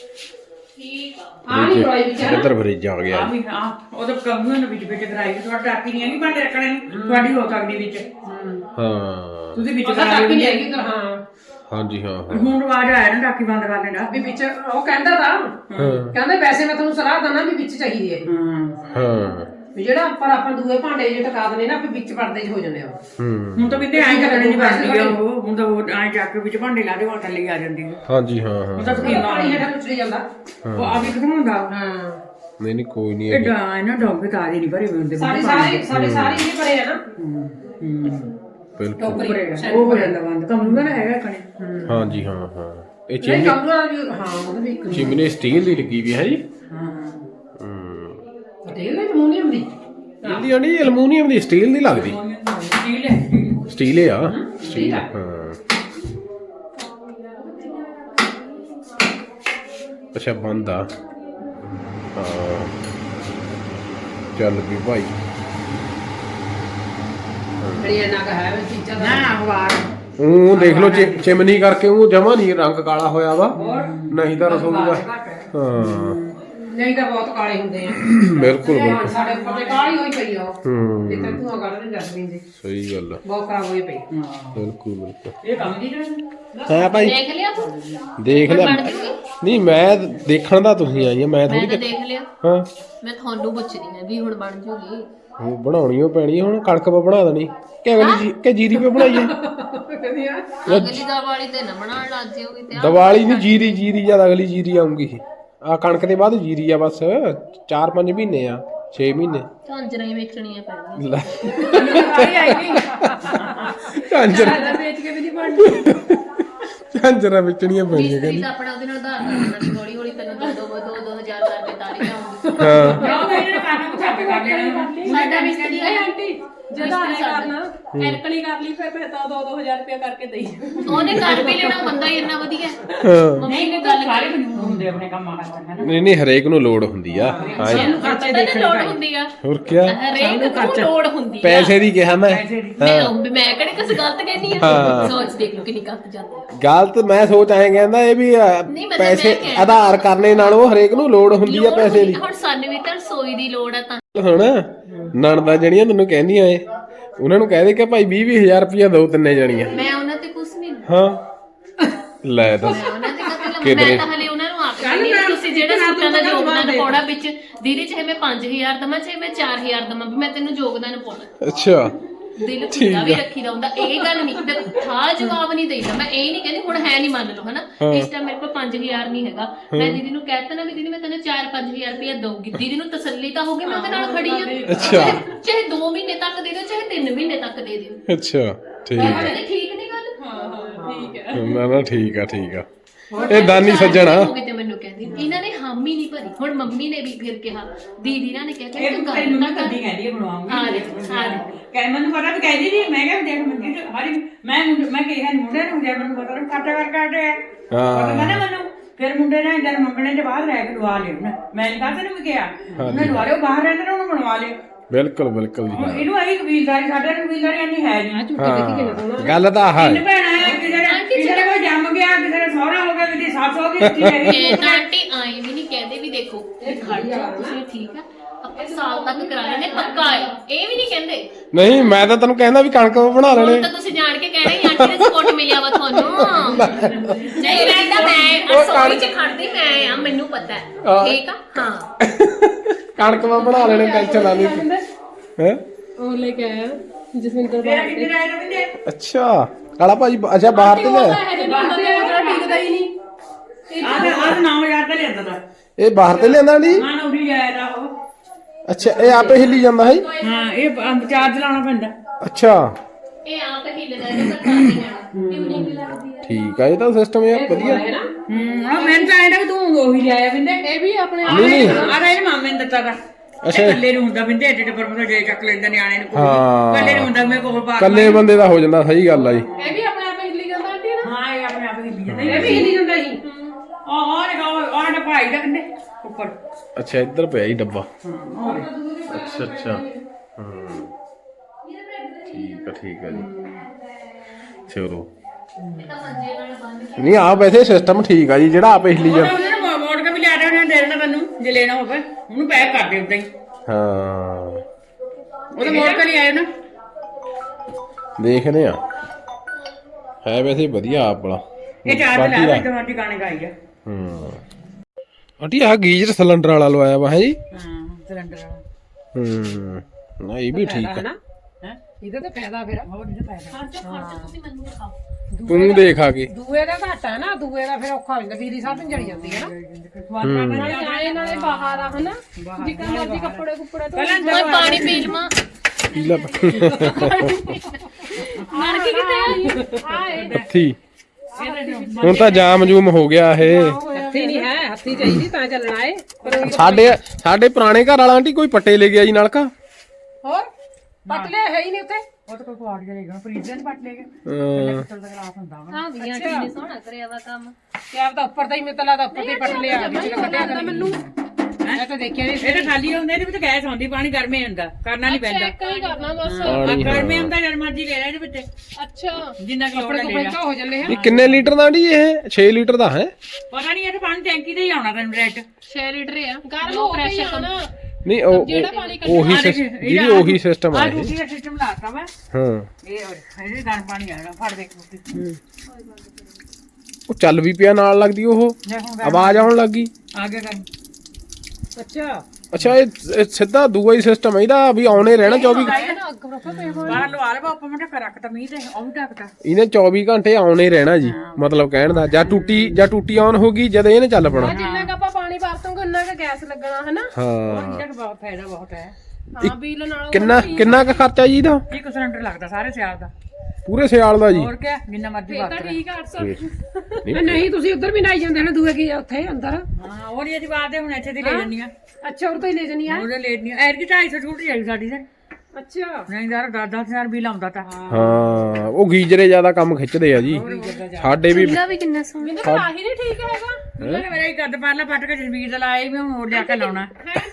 [SPEAKER 4] ਆ ਨਹੀਂ ਹੋਈ ਵਿਚਾਰਾ
[SPEAKER 2] ਇੱਧਰ ਫਰਿੱਜ ਆ ਗਿਆ
[SPEAKER 3] ਆ ਵੀ ਹਾਂ ਉਹ ਤਾਂ ਕੰਗੂਆਂ ਦੇ ਵਿੱਚ ਕਰਾਈ ਤੁਹਾਡਾ ਟਾਕੀ ਨਹੀਂ ਹੈਗੀ ਭਾਂਡੇ ਰੱਖਣੇ ਨੂੰ ਤੁਹਾਡੀ ਹੋ ਸਕਦੀ ਵਿੱਚ
[SPEAKER 2] ਹਾਂ
[SPEAKER 3] ਤੁਸੀਂ ਵਿੱਚ
[SPEAKER 4] ਉਹਦਾ
[SPEAKER 3] ਕਰਾ
[SPEAKER 4] ਤੱਕ ਨਹੀਂ
[SPEAKER 3] ਲਈ
[SPEAKER 4] ਹੈਗੀ ਤਾਂ ਹਾਂ
[SPEAKER 2] ਹਾਂਜੀ ਹਾਂ
[SPEAKER 3] ਹੁਣ ਰਿਵਾਜ ਆਇਆ ਨਾ ਟਾਕੀ ਬੰਦ ਕਰ ਲੈਣਾ
[SPEAKER 4] ਵੀ ਵਿੱਚ ਉਹ ਕਹਿੰਦਾ ਤਾਂ ਕਹਿੰਦਾ ਵੈਸੇ ਮੈਂ ਤੁਹਾਨੂੰ ਸਲਾਹ ਦਿੰਦਾ ਵੀ ਵਿੱਚ ਚਾਹੀਦੀ ਹੈ
[SPEAKER 2] ਹਾਂ
[SPEAKER 4] ਵੀ ਜਿਹੜਾ ਆਪਾਂ ਦੂਏ ਭਾਂਡੇ ਜੇ ਟਕਾ ਦਨੇ ਨਾ ਵੀ ਵਿੱਚ ਪਰਦੇ ਹੋ ਜਾਂਦੇ ਆ
[SPEAKER 3] ਹੁਣ ਤਾਂ ਕਿਤੇ ਐਂ ਕਰਨੇ ਨਹੀਂ ਬਸਦੀ ਉਹ ਹੁਣ ਤਾਂ ਉਹ ਐਂ ਚੱਕ ਕੇ ਵਿੱਚ ਭਾਂਡੇ ਲਾ ਦੇ ਉਹ ਥੱਲੇ ਆ ਜਾਂਦੀ ਹੈ
[SPEAKER 2] ਹਾਂਜੀ ਹਾਂ
[SPEAKER 3] ਹੁਣ ਤਾਂ ਸਕੀਮ
[SPEAKER 4] ਪਾਣੀ ਹੇਠਾਂ ਉੱਚੇ ਜਾਂਦਾ
[SPEAKER 3] ਉਹ ਆ ਵੀ ਖਤਮ ਹੁੰਦਾ
[SPEAKER 4] ਹਾਂ
[SPEAKER 2] ਨਹੀਂ ਕੋਈ ਨਹੀਂ
[SPEAKER 3] ਇਹ ਇਹਨਾਂ ਡੋਂਗੇ ਤਾਜ਼ੇ ਨਹੀਂ ਭਰੇ ਹੁੰਦੇ
[SPEAKER 4] ਸਾਡੇ ਸਾਰੇ ਇਹਦੇ ਭਰੇ ਆ ਨਾ
[SPEAKER 2] ਬਿਲਕੁਲ
[SPEAKER 3] ਉਹ ਹੋ ਜਾਂਦਾ ਬੰਦ ਕਮਲੂਗਾ ਨਾ ਹੈਗਾ ਕਣੇ
[SPEAKER 2] ਹਾਂਜੀ ਹਾਂ ਇਹ
[SPEAKER 4] ਨਹੀਂ
[SPEAKER 2] ਚਿਮਨੀ
[SPEAKER 4] ਕਮਰਾ ਵੀ ਹਾਂ ਉਹਦਾ ਵੀ ਇੱਕ
[SPEAKER 2] ਚਿਮਨੀ ਸਟੀਲ ਦੀ ਲੱਗੀ ਵੀ ਹੈ ਜੀ
[SPEAKER 3] ਹਾਂ
[SPEAKER 4] ਤੇਲ ਨਹੀਂ ਅਮੋਨੀਅਮ ਦੀ
[SPEAKER 2] ਇਹਦੀ ਆਂਟੀ ਐਲੂਮੀਨੀਅਮ ਦੀ ਸਟੀਲ ਦੀ ਲੱਗਦੀ
[SPEAKER 3] ਸਟੀਲ ਹੈ
[SPEAKER 2] ਸਟੀਲ ਆ ਸਟੀਲ ਹਾਂ ਅੱਛਾ ਬੰਦ ਆ ਹਾਂ ਚੱਲ ਵੀ ਭਾਈ
[SPEAKER 4] ਬੜੀਆ ਨਾ ਕਹਾ ਹੈ ਚੀਜ਼ਾਂ ਦਾ
[SPEAKER 3] ਨਾ ਅਖਬਾਰ
[SPEAKER 2] ਉਹ ਦੇਖ ਲਓ ਚਿਮਨੀ ਕਰਕੇ ਉਹ ਜਮਾ ਨਹੀਂ ਰੰਗ ਕਾਲਾ ਹੋਇਆ ਵਾ ਨਹੀਂ ਤਾਂ ਰਸੋਈ ਦਾ ਹਾਂ
[SPEAKER 4] ਨਹੀਂ ਤਾਂ ਬਹੁਤ ਕਾਲੇ ਹੁੰਦੇ ਆ
[SPEAKER 2] ਬਿਲਕੁਲ
[SPEAKER 4] ਸਾਡੇ ਉੱਪਰ ਤੇ ਕਾਲੀ ਹੋਈ ਪਈ ਆ ਉਹ ਜਿੱਥੇ ਧੂਆਂ ਕੱਢ ਨਹੀਂ ਡਸਟਬਿਨ ਦੇ
[SPEAKER 2] ਸਹੀ ਗੱਲ ਆ
[SPEAKER 4] ਬਹੁਤ ਖਰਾਬ ਹੋਈ ਪਈ
[SPEAKER 2] ਬਿਲਕੁਲ
[SPEAKER 3] ਇਹ ਕੰਮ ਦੀ
[SPEAKER 2] ਹਾਂ ਭਾਈ
[SPEAKER 1] ਦੇਖ ਲਿਆ ਤੂੰ
[SPEAKER 2] ਦੇਖ ਲਿਆ
[SPEAKER 1] ਬਣ ਜੂਗੀ
[SPEAKER 2] ਨਹੀਂ ਮੈਂ ਦੇਖਣ ਦਾ ਤੁਸੀਂ ਆਈ ਆ ਮੈਂ
[SPEAKER 1] ਮੈਂ
[SPEAKER 2] ਥੋੜੀ
[SPEAKER 1] ਤਾਂ ਦੇਖ ਲਿਆ
[SPEAKER 2] ਹਾਂ
[SPEAKER 1] ਮੈਂ ਤੁਹਾਨੂੰ ਪੁੱਛਦੀ ਹਾਂ ਵੀ ਹੁਣ ਬਣ ਜੂਗੀ
[SPEAKER 2] ਉਹ ਬਣਾਉਣੀ ਓ ਪੈਣੀ ਆ, ਹੁਣ ਕਣਕ ਪਾ ਬਣਾ ਦੇਣੀ ਕਿ ਅਗਲੀ ਕਿ ਜੀਰੀ ਪੇ ਬਣਾਈਏ
[SPEAKER 4] ਕਹਿੰਦੀ ਆ
[SPEAKER 1] ਅਗਲੀ ਦੀਵਾਲੀ ਤੇ ਨਾ ਬਣਾਉਣ ਲੱਗ ਜਿਓ ਕਿਤੇ
[SPEAKER 2] ਦੀਵਾਲੀ ਨਹੀਂ ਜੀਰੀ ਜਦ ਅਗਲੀ ਜੀਰੀ ਆਉਂਗੀ ਆ ਕਣਕ ਦੇ ਬਾਅਦ ਜੀਰੀ ਆ ਬਸ 4-5 ਮਹੀਨੇ ਆ 6 ਮਹੀਨੇ
[SPEAKER 1] ਝਾਂਜਰਾਂ ਹੀ ਵੇਚਣੀਆਂ ਪੈਣਗੀਆਂ
[SPEAKER 2] ਲੈ
[SPEAKER 3] ਸਾਰੀ ਆਈ ਗਈ
[SPEAKER 2] ਝਾਂਜਰਾਂ
[SPEAKER 5] ਵੇਚ ਕੇ ਵੀ ਨਹੀਂ ਬਣਦੀ
[SPEAKER 2] ਝਾਂਜਰਾਂ ਵੇਚਣੀਆਂ ਪੈਣੀਆਂ
[SPEAKER 1] ਮਿਸਤਰੀ ਤਾਂ ਆਪਣਾ ਉਹਦੇ ਨਾਲ ਉਧਾਰ ਕਰਨਾ ਹੌਲੀ ਹੌਲੀ ਤੈਨੂੰ 2-2000 ਕਰਕੇ ਤਾਰੀ ਜਾਊਂਗੀ
[SPEAKER 2] ਹਾਂ
[SPEAKER 3] ਜਾਓ ਮੈਂ ਇਹਨਾਂ ਕੰਮ ਛਾਪੇ ਕਰ ਲੈਣਾ
[SPEAKER 1] ਸਾਡਾ ਮਿਸਤਰੀ
[SPEAKER 5] ਇਹ ਆਂਟੀ ਜਦੋਂ ਆਏ ਕਰਨਾ ਐਨਕਲੀ ਕਰ ਲਈ ਫਿਰ ਤਾਂ 2-2000 ਰੁਪਏ ਕਰਕੇ ਦੇਈ
[SPEAKER 1] ਉਹਨੇ ਕਰ ਵੀ ਲੈਣਾ ਬੰਦਾ ਹੀ ਇੰਨਾ ਵਧੀਆ
[SPEAKER 2] ਹਾਂ
[SPEAKER 1] ਮੰਮੀ ਨੇ ਗੱਲ
[SPEAKER 3] ਸਾਰੇ ਮਜਬੂਰ ਹੁੰਦੇ ਆਪਣੇ ਕੰਮਾਂ ਕਰਦੇ ਹਨ
[SPEAKER 2] ਨਹੀਂ ਹਰੇਕ ਨੂੰ ਲੋੜ ਹੁੰਦੀ ਆ ਹਾਂ
[SPEAKER 1] ਖਰਚੇ ਦੇ ਲੋੜ ਹੁੰਦੀ ਆ
[SPEAKER 2] ਹੋਰ ਕਿਆ
[SPEAKER 1] ਹਰੇਕ ਨੂੰ ਲੋੜ ਹੁੰਦੀ ਆ
[SPEAKER 2] ਪੈਸੇ ਦੀ ਕਿਹਾ ਮੈਂ
[SPEAKER 1] ਮੈਂ ਕਿਹੜੇ ਕਿਸ ਗਲਤ ਕਹਿੰਦੀ ਆ
[SPEAKER 2] ਹਾਂ।
[SPEAKER 1] ਸੋਚ ਦੇਖ ਲਓ ਕਿੰਨੀ ਗਲਤ ਜਾਂਦੀ ਆ
[SPEAKER 2] ਗਲਤ ਮੈਂ ਸੋਚ ਆਏ ਕਹਿੰਦਾ ਇਹ ਵੀ
[SPEAKER 1] ਨਹੀਂ, ਮਤਲਬ
[SPEAKER 2] ਪੈਸੇ
[SPEAKER 1] ਮੈਂ ਕਹਿ-
[SPEAKER 2] ਆਧਾਰ ਕਰਨੇ ਨਾਲੋਂ ਹਰੇਕ ਨੂੰ ਲੋੜ ਹੁੰਦੀ ਆ
[SPEAKER 1] ਲੋੜ
[SPEAKER 2] ਪੈਸੇ
[SPEAKER 1] ਹੁੰਦੀ-
[SPEAKER 2] ਦੀ
[SPEAKER 1] ਹੁਣ ਸਾਨੂੰ ਵੀ ਤਾਂ ਰਸੋਈ ਦੀ ਲੋੜ ਆ ਤਾਂ
[SPEAKER 2] ਹੁਣ ਨਣਦਾ ਜਿਹੜੀਆਂ ਤੈਨੂੰ ਕਹਿੰਦੀਆਂ ਏ ਉਹਨਾਂ ਨੂੰ ਕਹਿ ਦੇ ਕਿ ਭਾਈ 20,000 ਰੁਪਇਆ ਦੋ ਤਿੰਨੇ ਜਣੀਆਂ
[SPEAKER 1] ਮੈਂ ਉਹਨਾਂ ਤੇ ਕੁਝ ਨਹੀਂ
[SPEAKER 2] ਹਾਂ ਲੈ ਦੱਸ
[SPEAKER 1] ਮੈਂ ਉਹਨਾਂ ਤੇ ਕਦੇ
[SPEAKER 2] ਕਿਧਰੇ।
[SPEAKER 1] ਮੈਂ ਤਾਂ ਹਲੇ ਉਹਨਾਂ ਨੂੰ ਆਪ ਕਹਿੰਦੀ ਹਾਂ, ਤੁਸੀਂ ਜਿਹੜਾ ਸੂਟਾਂ ਦਾ ਯੋਗਦਾਨ ਪਾਉਣਾ ਵਿੱਚ ਦੀਦੀ ਚਾਹੇ ਮੈਂ 5,000 ਦਵਾਂ ਚਾਹੇ ਮੈਂ 4,000 ਦਵਾਂ ਵੀ ਮੈਂ ਤੈਨੂੰ ਯੋਗਦਾਨ ਪਾਉਣਾ
[SPEAKER 2] ਅੱਛਾ
[SPEAKER 1] ਦਿਲ ਖੁੱਲਾ ਵੀ ਰੱਖੀਦਾ ਹੁੰਦਾ ਇਹ ਗੱਲ ਨਹੀਂ ਤੇ ਥਾ ਜਵਾਬ ਨਹੀਂ ਦੇਈਦਾ ਮੈਂ ਇਹ ਨਹੀਂ ਕਹਿੰਦੀ ਹੁਣ ਹੈ ਨਹੀਂ ਮੰਨ ਲਓ ਹਨਾ ਇਸ ਟਾਈਮ ਮੇਰੇ ਕੋਲ 5,000 ਨਹੀਂ ਹੈਗਾ ਮੈਂ ਦੀਦੀ ਨੂੰ ਕਹਿਤਾ ਨਾ ਵੀ ਦੀਦੀ ਮੈਂ ਤੈਨੂੰ 4-5,000 ਰੁਪਇਆ ਦਊਂਗੀ ਦੀਦੀ ਨੂੰ ਤਸੱਲੀ ਤਾਂ ਹੋਗੀ ਮੈਂ ਉਹਦੇ ਨਾਲ ਖੜੀ ਆ
[SPEAKER 2] ਅੱਛਾ।
[SPEAKER 1] ਚਾਹੇ 2 ਮਹੀਨੇ ਤੱਕ ਦੇ ਦਿਓ ਚਾਹੇ 3 ਮਹੀਨੇ ਤੱਕ ਦੇ ਦਿਓ
[SPEAKER 2] ਅੱਛਾ ਠੀਕ
[SPEAKER 1] ਮੈਂ
[SPEAKER 2] ਆ
[SPEAKER 1] ਕਹਿੰਦੀ ਠੀਕ ਨਹੀਂ ਗੱਲ
[SPEAKER 5] ਠੀਕ ਹੈ
[SPEAKER 2] ਨਾ ਠੀਕ ਆ ਇਹ ਦਾਨੀ ਸੱਜਣਾ
[SPEAKER 1] ਹੋ ਗਏ ਤੇ ਮੈਨੂੰ ਕਹਿੰਦੀ ਇਹਨਾਂ ਨੇ ਹਾਮੀ ਨਹੀਂ ਭਰੀ ਹੁਣ ਮੰਮੀ ਨੇ ਵੀ ਫਿਰ ਕਿਹਾ ਦੀਦੀ ਨਾਲ ਨੇ ਕਿਹਾ ਕਿ
[SPEAKER 3] ਇਹ
[SPEAKER 1] ਤੂੰ
[SPEAKER 3] ਤੇਰੀ
[SPEAKER 1] ਗੱਲ
[SPEAKER 3] ਮੰਮੀ
[SPEAKER 1] ਨਾ ਕਰ
[SPEAKER 3] ਕੱਦੀ ਕਹਿੰਦੀ ਹੈ ਬਣਵਾਉਂਗੀ
[SPEAKER 1] ਆ ਦੇ
[SPEAKER 3] ਕਹਿ ਮੈਨੂੰ ਪਤਾ ਵੀ ਕਹਿੰਦੀ ਨਹੀਂ ਮੈਂ ਕਿਹਾ ਦੇਖ ਮੰਗੀ ਤੇ ਹਰੀ ਮੈਂ ਕਿਹਾ ਮੁੰਡੇ ਨੂੰ ਜੇ ਮੈਨੂੰ ਪਤਾ ਕਾਟਾ ਕਰ ਕਾਟੇ ਪਤਾ ਨਾ ਮੈਨੂੰ ਫਿਰ ਮੁੰਡੇ ਨੇ ਜਦ ਮੰਗਣੇ ਦੇ ਬਾਅਦ ਰਹਿ ਕੇ ਲਵਾ ਲਿਓ ਨਾ ਮੈਂ ਨਹੀਂ ਕਹਾਂ ਤੈਨੂੰ ਕਿਹਾ ਉਹਨੇ ਲਵਾ ਲਿਓ ਬਾਹਰ ਰਹਿੰਦੇ ਨੇ ਉਹਨੂੰ ਬਣਵਾ ਲਿਓ
[SPEAKER 2] ਬਿਲਕੁਲ ਜੀ
[SPEAKER 3] ਹੁਣ ਇਹਨੂੰ ਆਹੀ ਕਬੀਲਦਾਰੀ ਸਾਡੇ ਨੂੰ ਕਬੀਲਦਾਰੀ ਇੰਨੀ ਹੈ ਨਹੀਂ
[SPEAKER 2] ਹਾਂ ਗੱਲ ਤਾਂ ਆਹ
[SPEAKER 3] ਤਿੰਨ
[SPEAKER 2] ਹੈ
[SPEAKER 3] ਭੈਣਾਂ ਹੈ ਕਿਸੇ ਦੇ ਕੋਈ ਜੰਮ ਗਿਆ ਕਿਸੇ ਦਾ ਸਹੁਰਾ ਹੋ ਗਿਆ ਕਿਸੇ ਦੀ ਸੱਸ ਹੋ ਗਈ ਇੱਥੇ ਰਹੀ
[SPEAKER 1] ਇਹ ਤਾਂ ਆਂਟੀ ਆਈ ਵੀ ਨਹੀਂ ਕਹਿੰਦੇ ਵੀ ਦੇਖੋ ਇਹ ਖੜ ਜਾ ਤੁਸੀਂ ਠੀਕ ਆ ਆਪਾਂ ਸਾਲ ਤੱਕ ਕਰਾ ਲੈਣੇ ਪੱਕਾ ਹੈ ਇਹ ਵੀ ਨਹੀਂ ਕਹਿੰਦੇ
[SPEAKER 2] ਨਹੀਂ ਮੈਂ ਤਾਂ ਤੈਨੂੰ ਕਹਿੰਦਾ ਵੀ ਕਣਕ ਬਣਾ ਲੈਣੇ
[SPEAKER 1] ਹੁਣ ਤਾਂ ਤੁਸੀਂ ਜਾਣ ਕੇ ਕਹਿ ਰਹੇ ਆਂਟੀ ਦਾ ਸਪੋਰਟ ਮਿਲਿਆ ਵਾ ਤੁਹਾਨੂੰ ਨਹੀਂ ਮੈਂ ਤਾਂ ਮੈਂ ਸੋਈ ਚ ਖੜਦੀ ਮੈਂ ਆ ਮੈਨੂੰ ਪਤਾ ਹੈ ਠੀਕ ਆ ਹਾਂ
[SPEAKER 2] ਕਣਕ ਬਣਾ ਲੈਣੇ ਟੈਨਸ਼ਨ ਨਾ ਲਈ ਹੈ
[SPEAKER 5] ਉਹ ਲੈ ਕੇ ਆਇਆ ਜਸਵਿੰਦਰ
[SPEAKER 3] ਤੇਰਾ ਕਿੰਨੇ ਰਾਇ ਰਵਿੰਦੇ
[SPEAKER 2] ਅੱਛਾ ਕਾਲਾ ਭਾਜੀ ਅੱਛਾ ਬਾਹਰ ਤੇ ਲੈ
[SPEAKER 5] ਹਜੇ ਬੰਦਾ ਤੇ ਉਹਦਾ ਟਿਕਦਾ ਹੀ ਨਹੀਂ
[SPEAKER 3] ਆਹ 9000 ਦਾ ਲਿਆਂਦਾ ਤਾ
[SPEAKER 2] ਇਹ ਬਾਹਰ ਤੇ ਲਿਆਂਦਾ ਨੀ
[SPEAKER 3] ਮਾਂ ਨੂੰ ਉਰੀ ਜਾਇਆ ਦਾ ਉਹ
[SPEAKER 2] ਅੱਛਾ ਇਹ ਆਪੇ ਹਿੱਲੀ ਜਾਂਦਾ ਹੈ
[SPEAKER 3] ਹਾਂ ਇਹ ਚਾਰਜ ਲਾਉਣਾ ਪੈਂਦਾ
[SPEAKER 2] ਅੱਛਾ
[SPEAKER 1] ਇਹ ਆਪ ਹਿੱਲਦਾ ਇਹਨੂੰ ਪਤਾ ਨਹੀਂ ਲੈਣਾ ਟਿਊਨਿੰਗ ਵੀ ਲੱਗਦੀ ਹੈ
[SPEAKER 2] ਠੀਕ ਆ ਇਹ ਤਾਂ ਸਿਸਟਮ ਇਹ ਵਧੀਆ
[SPEAKER 3] ਮੈਂ ਤਾਂ ਇਹਦਾ ਤੂੰ ਉਹੀ ਲਿਆਇਆ ਬਿੰਦੇ
[SPEAKER 5] ਇਹ ਵੀ ਆਪਣੇ
[SPEAKER 2] ਨਹੀਂ
[SPEAKER 3] ਆਹ ਇਹ ਮਾਮੇ ਨੇ ਦਿੱਤਾ ਦਾ
[SPEAKER 2] ਅੱਛਾ।
[SPEAKER 3] ਕੱਲੇ ਨੂੰ ਹੁੰਦਾ ਬਿੰਦੇ ਏਡੇ ਪਰ ਮਤਲਬ ਜੇ ਚੱਕ ਲੈਂਦਾ ਨਿਆਣੇ ਨੂੰ
[SPEAKER 2] ਹਾਂ।
[SPEAKER 3] ਕੱਲੇ ਨੂੰ ਹੁੰਦਾ ਮੇਰੇ ਕੋਲ ਬਾਹਰ
[SPEAKER 2] ਕੱਲੇ ਬੰਦੇ ਦਾ ਹੋ ਜਾਂਦਾ ਸਹੀ ਗੱਲ ਆ ਜੀ
[SPEAKER 5] ਇਹ ਵੀ ਆਪਣੇ ਆਪ ਹਿੱਲੀ ਜਾਂਦਾ ਆਂਟੀ ਨਾ
[SPEAKER 3] ਹਾਂ ਇਹ ਆਪਣੇ ਆਪ ਹਿੱਲੀ ਜਾਂਦਾ
[SPEAKER 4] ਇਹ ਵੀ ਹਿੱਲੀ ਜਾਂਦਾ ਸੀ
[SPEAKER 3] ਆਹ ਭਾਈ ਦਾ ਬਿੰਦੇ ਉੱਪਰ
[SPEAKER 2] ਅੱਛਾ ਇੱਧਰ ਪਿਆ ਜੀ ਡੱਬਾ
[SPEAKER 3] ਹਾਂ
[SPEAKER 2] ਅੱਛਾ ਠੀਕ ਆ ਜੀ ਚਲੋ ਨਹੀਂ ਆ ਵੈਸੇ ਸਿਸਟਮ ਠੀਕ ਆ ਜੀ ਜਿਹੜਾ ਆਪੇ ਹਿੱਲੀ ਜਾਂਦਾ
[SPEAKER 3] ਉਹਨੇ ਨਾ ਮੋੜ ਕੇ ਵੀ ਲਿਆ ਦੇਣਾ ਦੇ ਦੇਣਾ ਤੈਨੂੰ ਜੇ ਲੈਣਾ ਹੋਵੇ ਉਹਨੂੰ ਪੈਕ ਕਰ ਦੇ ਉਦਾਂ ਹੀ
[SPEAKER 2] ਹਾਂ
[SPEAKER 3] ਉਹਦੇ ਮੋੜ ਕੇ ਲਈ ਆਏ ਨਾ
[SPEAKER 2] ਦੇਖਦੇ ਆ ਹੈ ਵੈਸੇ ਵਧੀਆ ਆਪ ਵਾਲਾ
[SPEAKER 3] ਇਹ ਚਾਰ
[SPEAKER 2] ਬਾਕੀ
[SPEAKER 3] ਲੈ
[SPEAKER 2] ਦਾ।
[SPEAKER 3] ਲੈ ਤੁਹਾਡੀ ਗਾਣੇ ਗਾਈ ਆ
[SPEAKER 2] ਆਂਟੀ ਆਹ ਗੀਜ਼ਰ ਸਿਲੰਡਰ ਵਾਲਾ ਲਵਾਇਆ ਵਾ ਹੈ ਜੀ
[SPEAKER 3] ਹਾਂ ਸਿਲੰਡਰ ਵਾਲਾ
[SPEAKER 2] ਨਾ ਇਹ ਵੀ ਠੀਕ ਆ
[SPEAKER 3] ਹੈ
[SPEAKER 4] ਇਹਦਾ ਤਾਂ ਫਾਇਦਾ ਫਿਰ
[SPEAKER 3] ਬਹੁਤ ਜਿਆਦਾ ਫਾਇਦਾ
[SPEAKER 1] ਤੁਸੀਂ ਮੈਨੂੰ ਦਿਖਾਓ
[SPEAKER 2] ਤੂੰ ਦੇਖ ਆ ਕੇ
[SPEAKER 4] ਦੂਏ ਦਾ ਘੱਟ ਹੈ ਨਾ ਦੂਏ ਦਾ ਫਿਰ ਔਖਾ ਹੋ ਜਾਂਦਾ ਬਿਜਲੀ ਸਭ ਨੂੰ ਜੜੀ ਜਾਂਦੀ ਹੈ ਨਾ
[SPEAKER 5] ਨਾਲੇ ਆਏ ਨਾਲੇ ਬਾਹਰ ਆ ਹਨਾ ਜਿੱਕਾ ਮਰਜ਼ੀ ਕੱਪੜੇ ਕੁੱਪੜੇ ਤੋਂ
[SPEAKER 1] ਮੈਂ ਪਾਣੀ ਪੀ ਲਵਾਂ
[SPEAKER 2] ਪੀ ਲੈ
[SPEAKER 1] ਨਾਨਕੀ ਕਿਤੇ
[SPEAKER 5] ਆਏ
[SPEAKER 2] ਹੱਥੀ ਹੁਣ ਤਾਂ ਜਾਮ ਜੂਮ ਹੋ ਗਿਆ ਇਹ
[SPEAKER 4] ਹੱਥੀ ਨਹੀਂ ਹੈ ਹੱਥੀ ਚਾਹੀਦੀ ਤਾਂ ਚੱਲਣਾ ਏ ਪਰ
[SPEAKER 2] ਸਾਡੇ ਪੁਰਾਣੇ ਘਰ ਵਾਲਾ ਆਂਟੀ ਕੋਈ ਪੱਟੇ ਲੈ ਗਿਆ ਜੀ ਨਲਕਾ
[SPEAKER 4] ਹੋਰ ਪਤਲੇ ਹੈ ਹੀ ਨਹੀਂ ਉੱਥੇ
[SPEAKER 3] ਉਹ ਤਾਂ ਕੋਈ ਕੁਆੜ ਜਾਏਗਾ ਫਰੀਜ਼ਰ ਚ ਪੱਟ ਲੇਗਾ ਪਿੱਤਲ ਦਾ ਗਲਾਸ ਹੁੰਦਾ ਵਾ
[SPEAKER 1] ਹਾਂ ਵੀਆਂ ਕਿੰਨੇ ਸੋਹਣਾ ਕਰਿਆ ਵਾ ਕੰਮ
[SPEAKER 4] ਕਿਆ ਪਤਾ ਉੱਪਰ ਦਾ ਹੀ ਮਿੱਤਲਾ ਦਾ ਉੱਪਰ ਤੇ ਪਟ ਲਿਆ ਵਿੱਚ ਕੱਢਿਆ ਤਾਂ ਮੈਨੂੰ ਮੈਂ ਤਾਂ ਦੇਖਿਆ ਨਹੀਂ
[SPEAKER 3] ਇਹ ਤਾਂ ਖਾਲੀ ਹੁੰਦੇ ਇਹਦੇ ਵਿੱਚ ਗੈਸ ਆਉਂਦੀ ਪਾਣੀ ਗਰਮੇ ਹੁੰਦਾ ਕਰਨਾ ਨਹੀਂ ਪੈਂਦਾ
[SPEAKER 5] ਚੈੱਕ ਹੀ ਕਰਨਾ ਬਸ
[SPEAKER 3] ਗਰਮੇ ਹੁੰਦਾ ਜਦ ਮਰਜੀ ਲੈ ਲੈ ਇਹਦੇ ਵਿੱਚ
[SPEAKER 5] ਅੱਛਾ
[SPEAKER 3] ਜਿੰਨਾ ਕਿ ਲੋੜ
[SPEAKER 4] ਕੱਪੜੇ
[SPEAKER 3] ਹੈ
[SPEAKER 4] ਕੋ
[SPEAKER 3] ਲੈ ਲੈ
[SPEAKER 4] ਫੈਂਕਾ ਹੋ ਜੱਲੇ
[SPEAKER 2] ਇਹ ਕਿੰਨੇ ਲੀਟਰ ਦਾ ਆਂਟੀ ਇਹ 6 ਲੀਟਰ ਦਾ ਹੈ
[SPEAKER 3] ਪਤਾ ਨਹੀਂ ਇਹ ਤਾਂ ਪਾਣੀ ਟੈਂਕੀ ਤੇ ਹੀ ਆਉਣਾ ਤੈਨੂੰ ਡਾਇਰੈਕਟ
[SPEAKER 1] 6 ਲੀਟਰ ਆ
[SPEAKER 5] ਗਰਮ ਹੋ ਕੇ ਹੀ ਆਣਾ
[SPEAKER 2] ਨਹੀਂ ਉਹੀ ਜਿਹੜੀ ਉਹੀ ਸਿਸਟਮ ਆ
[SPEAKER 3] ਆ
[SPEAKER 2] ਇਹ
[SPEAKER 3] ਦੂਸਰੀ ਦਾ ਸਿਸਟਮ ਲਾਤਾ ਵਾ
[SPEAKER 2] ਹਾਂ
[SPEAKER 3] ਇਹ ਇਹਦੇ ਗਰਮ ਪਾਣੀ ਆਣਾ ਫੜ ਦੇ
[SPEAKER 2] ਉਹ ਚੱਲ ਵੀ ਪਿਆ ਨਾਲ ਲੱਗਦੀ ਉਹ ਆਵਾਜ਼ ਆਉਣ ਲੱਗੀ
[SPEAKER 3] ਆ ਗਿਆ ਕਰ
[SPEAKER 4] ਅੱਛਾ
[SPEAKER 2] ਅੱਛਾ ਇਹ ਸਿੱਧਾ ਦੂਆ ਹੀ ਸਿਸਟਮ ਹੈ ਇਹਦਾ ਵੀ ਆਉਣੇ ਰਹਿਣਾ 24
[SPEAKER 3] ਬਾਹਰ ਲਵਾ ਲੈ ਬਾਪਾ ਮੈਂ ਢੱਕ ਰੱਖਤਾ ਮੀਂਹ ਤੇ ਉਹ ਵੀ ਢੱਕਤਾ
[SPEAKER 2] ਇਹਨੇ 24 ਘੰਟੇ ਆਉਣੇ ਰਹਿਣਾ ਜੀ ਮਤਲਬ ਕਹਿਣ ਦਾ ਜਾਂ ਟੂਟੀ ਆਨ ਹੋ ਗਈ ਜਦ ਇਹਨੇ ਚੱਲ ਪਣਾ
[SPEAKER 5] ਜਿੰਨਾ ਕ ਆਪਾਂ ਪਾਣੀ ਭਰ ਕਿੰਨਾ ਕੁ ਗੈਸ ਲੱਗਣਾ ਹਨਾ
[SPEAKER 2] ਹਾਂ
[SPEAKER 3] ਜਿਹੜਾ ਬਹੁਤ ਫਾਇਦਾ ਬਹੁਤ ਹੈ।
[SPEAKER 5] ਹਾਂ ਬਿੱਲ ਨਾਲ
[SPEAKER 2] ਕਿੰਨਾ ਕੁ ਖਰਚਾ ਜੀ ਇਹਦਾ?
[SPEAKER 3] ਇੱਕ ਸਿਲੰਡਰ ਲੱਗਦਾ ਸਾਰੇ ਸਿਆਲ ਦਾ।
[SPEAKER 2] ਪੂਰੇ ਸਿਆਲ ਦਾ ਜੀ?
[SPEAKER 3] ਹੋਰ ਕਿਆ, ਜਿੰਨਾ ਮਰਜ਼ੀ
[SPEAKER 5] ਤਾਂ
[SPEAKER 3] ਵਰਤ ਲੈ।
[SPEAKER 5] ਠੀਕ ਆ 800
[SPEAKER 4] ਨਹੀਂ ਤੁਸੀਂ ਉੱਧਰ ਵੀ ਨਾਈ ਜਾਂਦੇ ਨੇ ਦੂਏ ਕੀ ਉੱਥੇ ਅੰਦਰ।
[SPEAKER 3] ਹਾਂ ਉਹ ਨਹੀਂ ਅਸੀਂ ਬਾਅਦ ਦੇ ਹੁਣ ਇੱਥੇ ਦੀ ਲੈ ਜੰਨੀ ਆ।
[SPEAKER 4] ਅੱਛਾ ਉਹ ਤਾਂ ਹੀ ਲੈ ਜਣੀ ਆ।
[SPEAKER 3] ਉਹਦੇ ਲੈ ਜੰਨੀ ਐਰ ਕੀ 250 ਛੂਟ ਜਾਈ ਸਾਡੀ ਤੇ।
[SPEAKER 4] ਅੱਛਾ
[SPEAKER 3] ਨਹੀਂ ਯਾਰ 10,000 ਬਿੱਲ ਆਉਂਦਾ ਤਾਂ।
[SPEAKER 2] ਹਾਂ ਉਹ ਗੀਜਰੇ ਜ਼ਿਆਦਾ ਕੰਮ ਖਿੱਚਦੇ ਆ ਜੀ ਸਾਡੇ ਵੀ।
[SPEAKER 6] ਇਹਦਾ ਵੀ ਕਿੰਨਾ ਸੋਹਣਾ
[SPEAKER 5] ਮੈਨੂੰ ਤਾਂ ਆਹੀ ਨਹੀਂ ਠੀਕ ਹੈਗਾ
[SPEAKER 3] ਮੇਰਾ ਹੀ ਕੱਦ ਪਾਰਲਾ ਪੱਟ ਕੇ ਜਸਵੀਰ ਦਾ ਲਾਇਆ ਮੈਂ ਹੁਣ ਹੋਰ ਲਿਆ ਕੇ ਲਾਉਣਾ।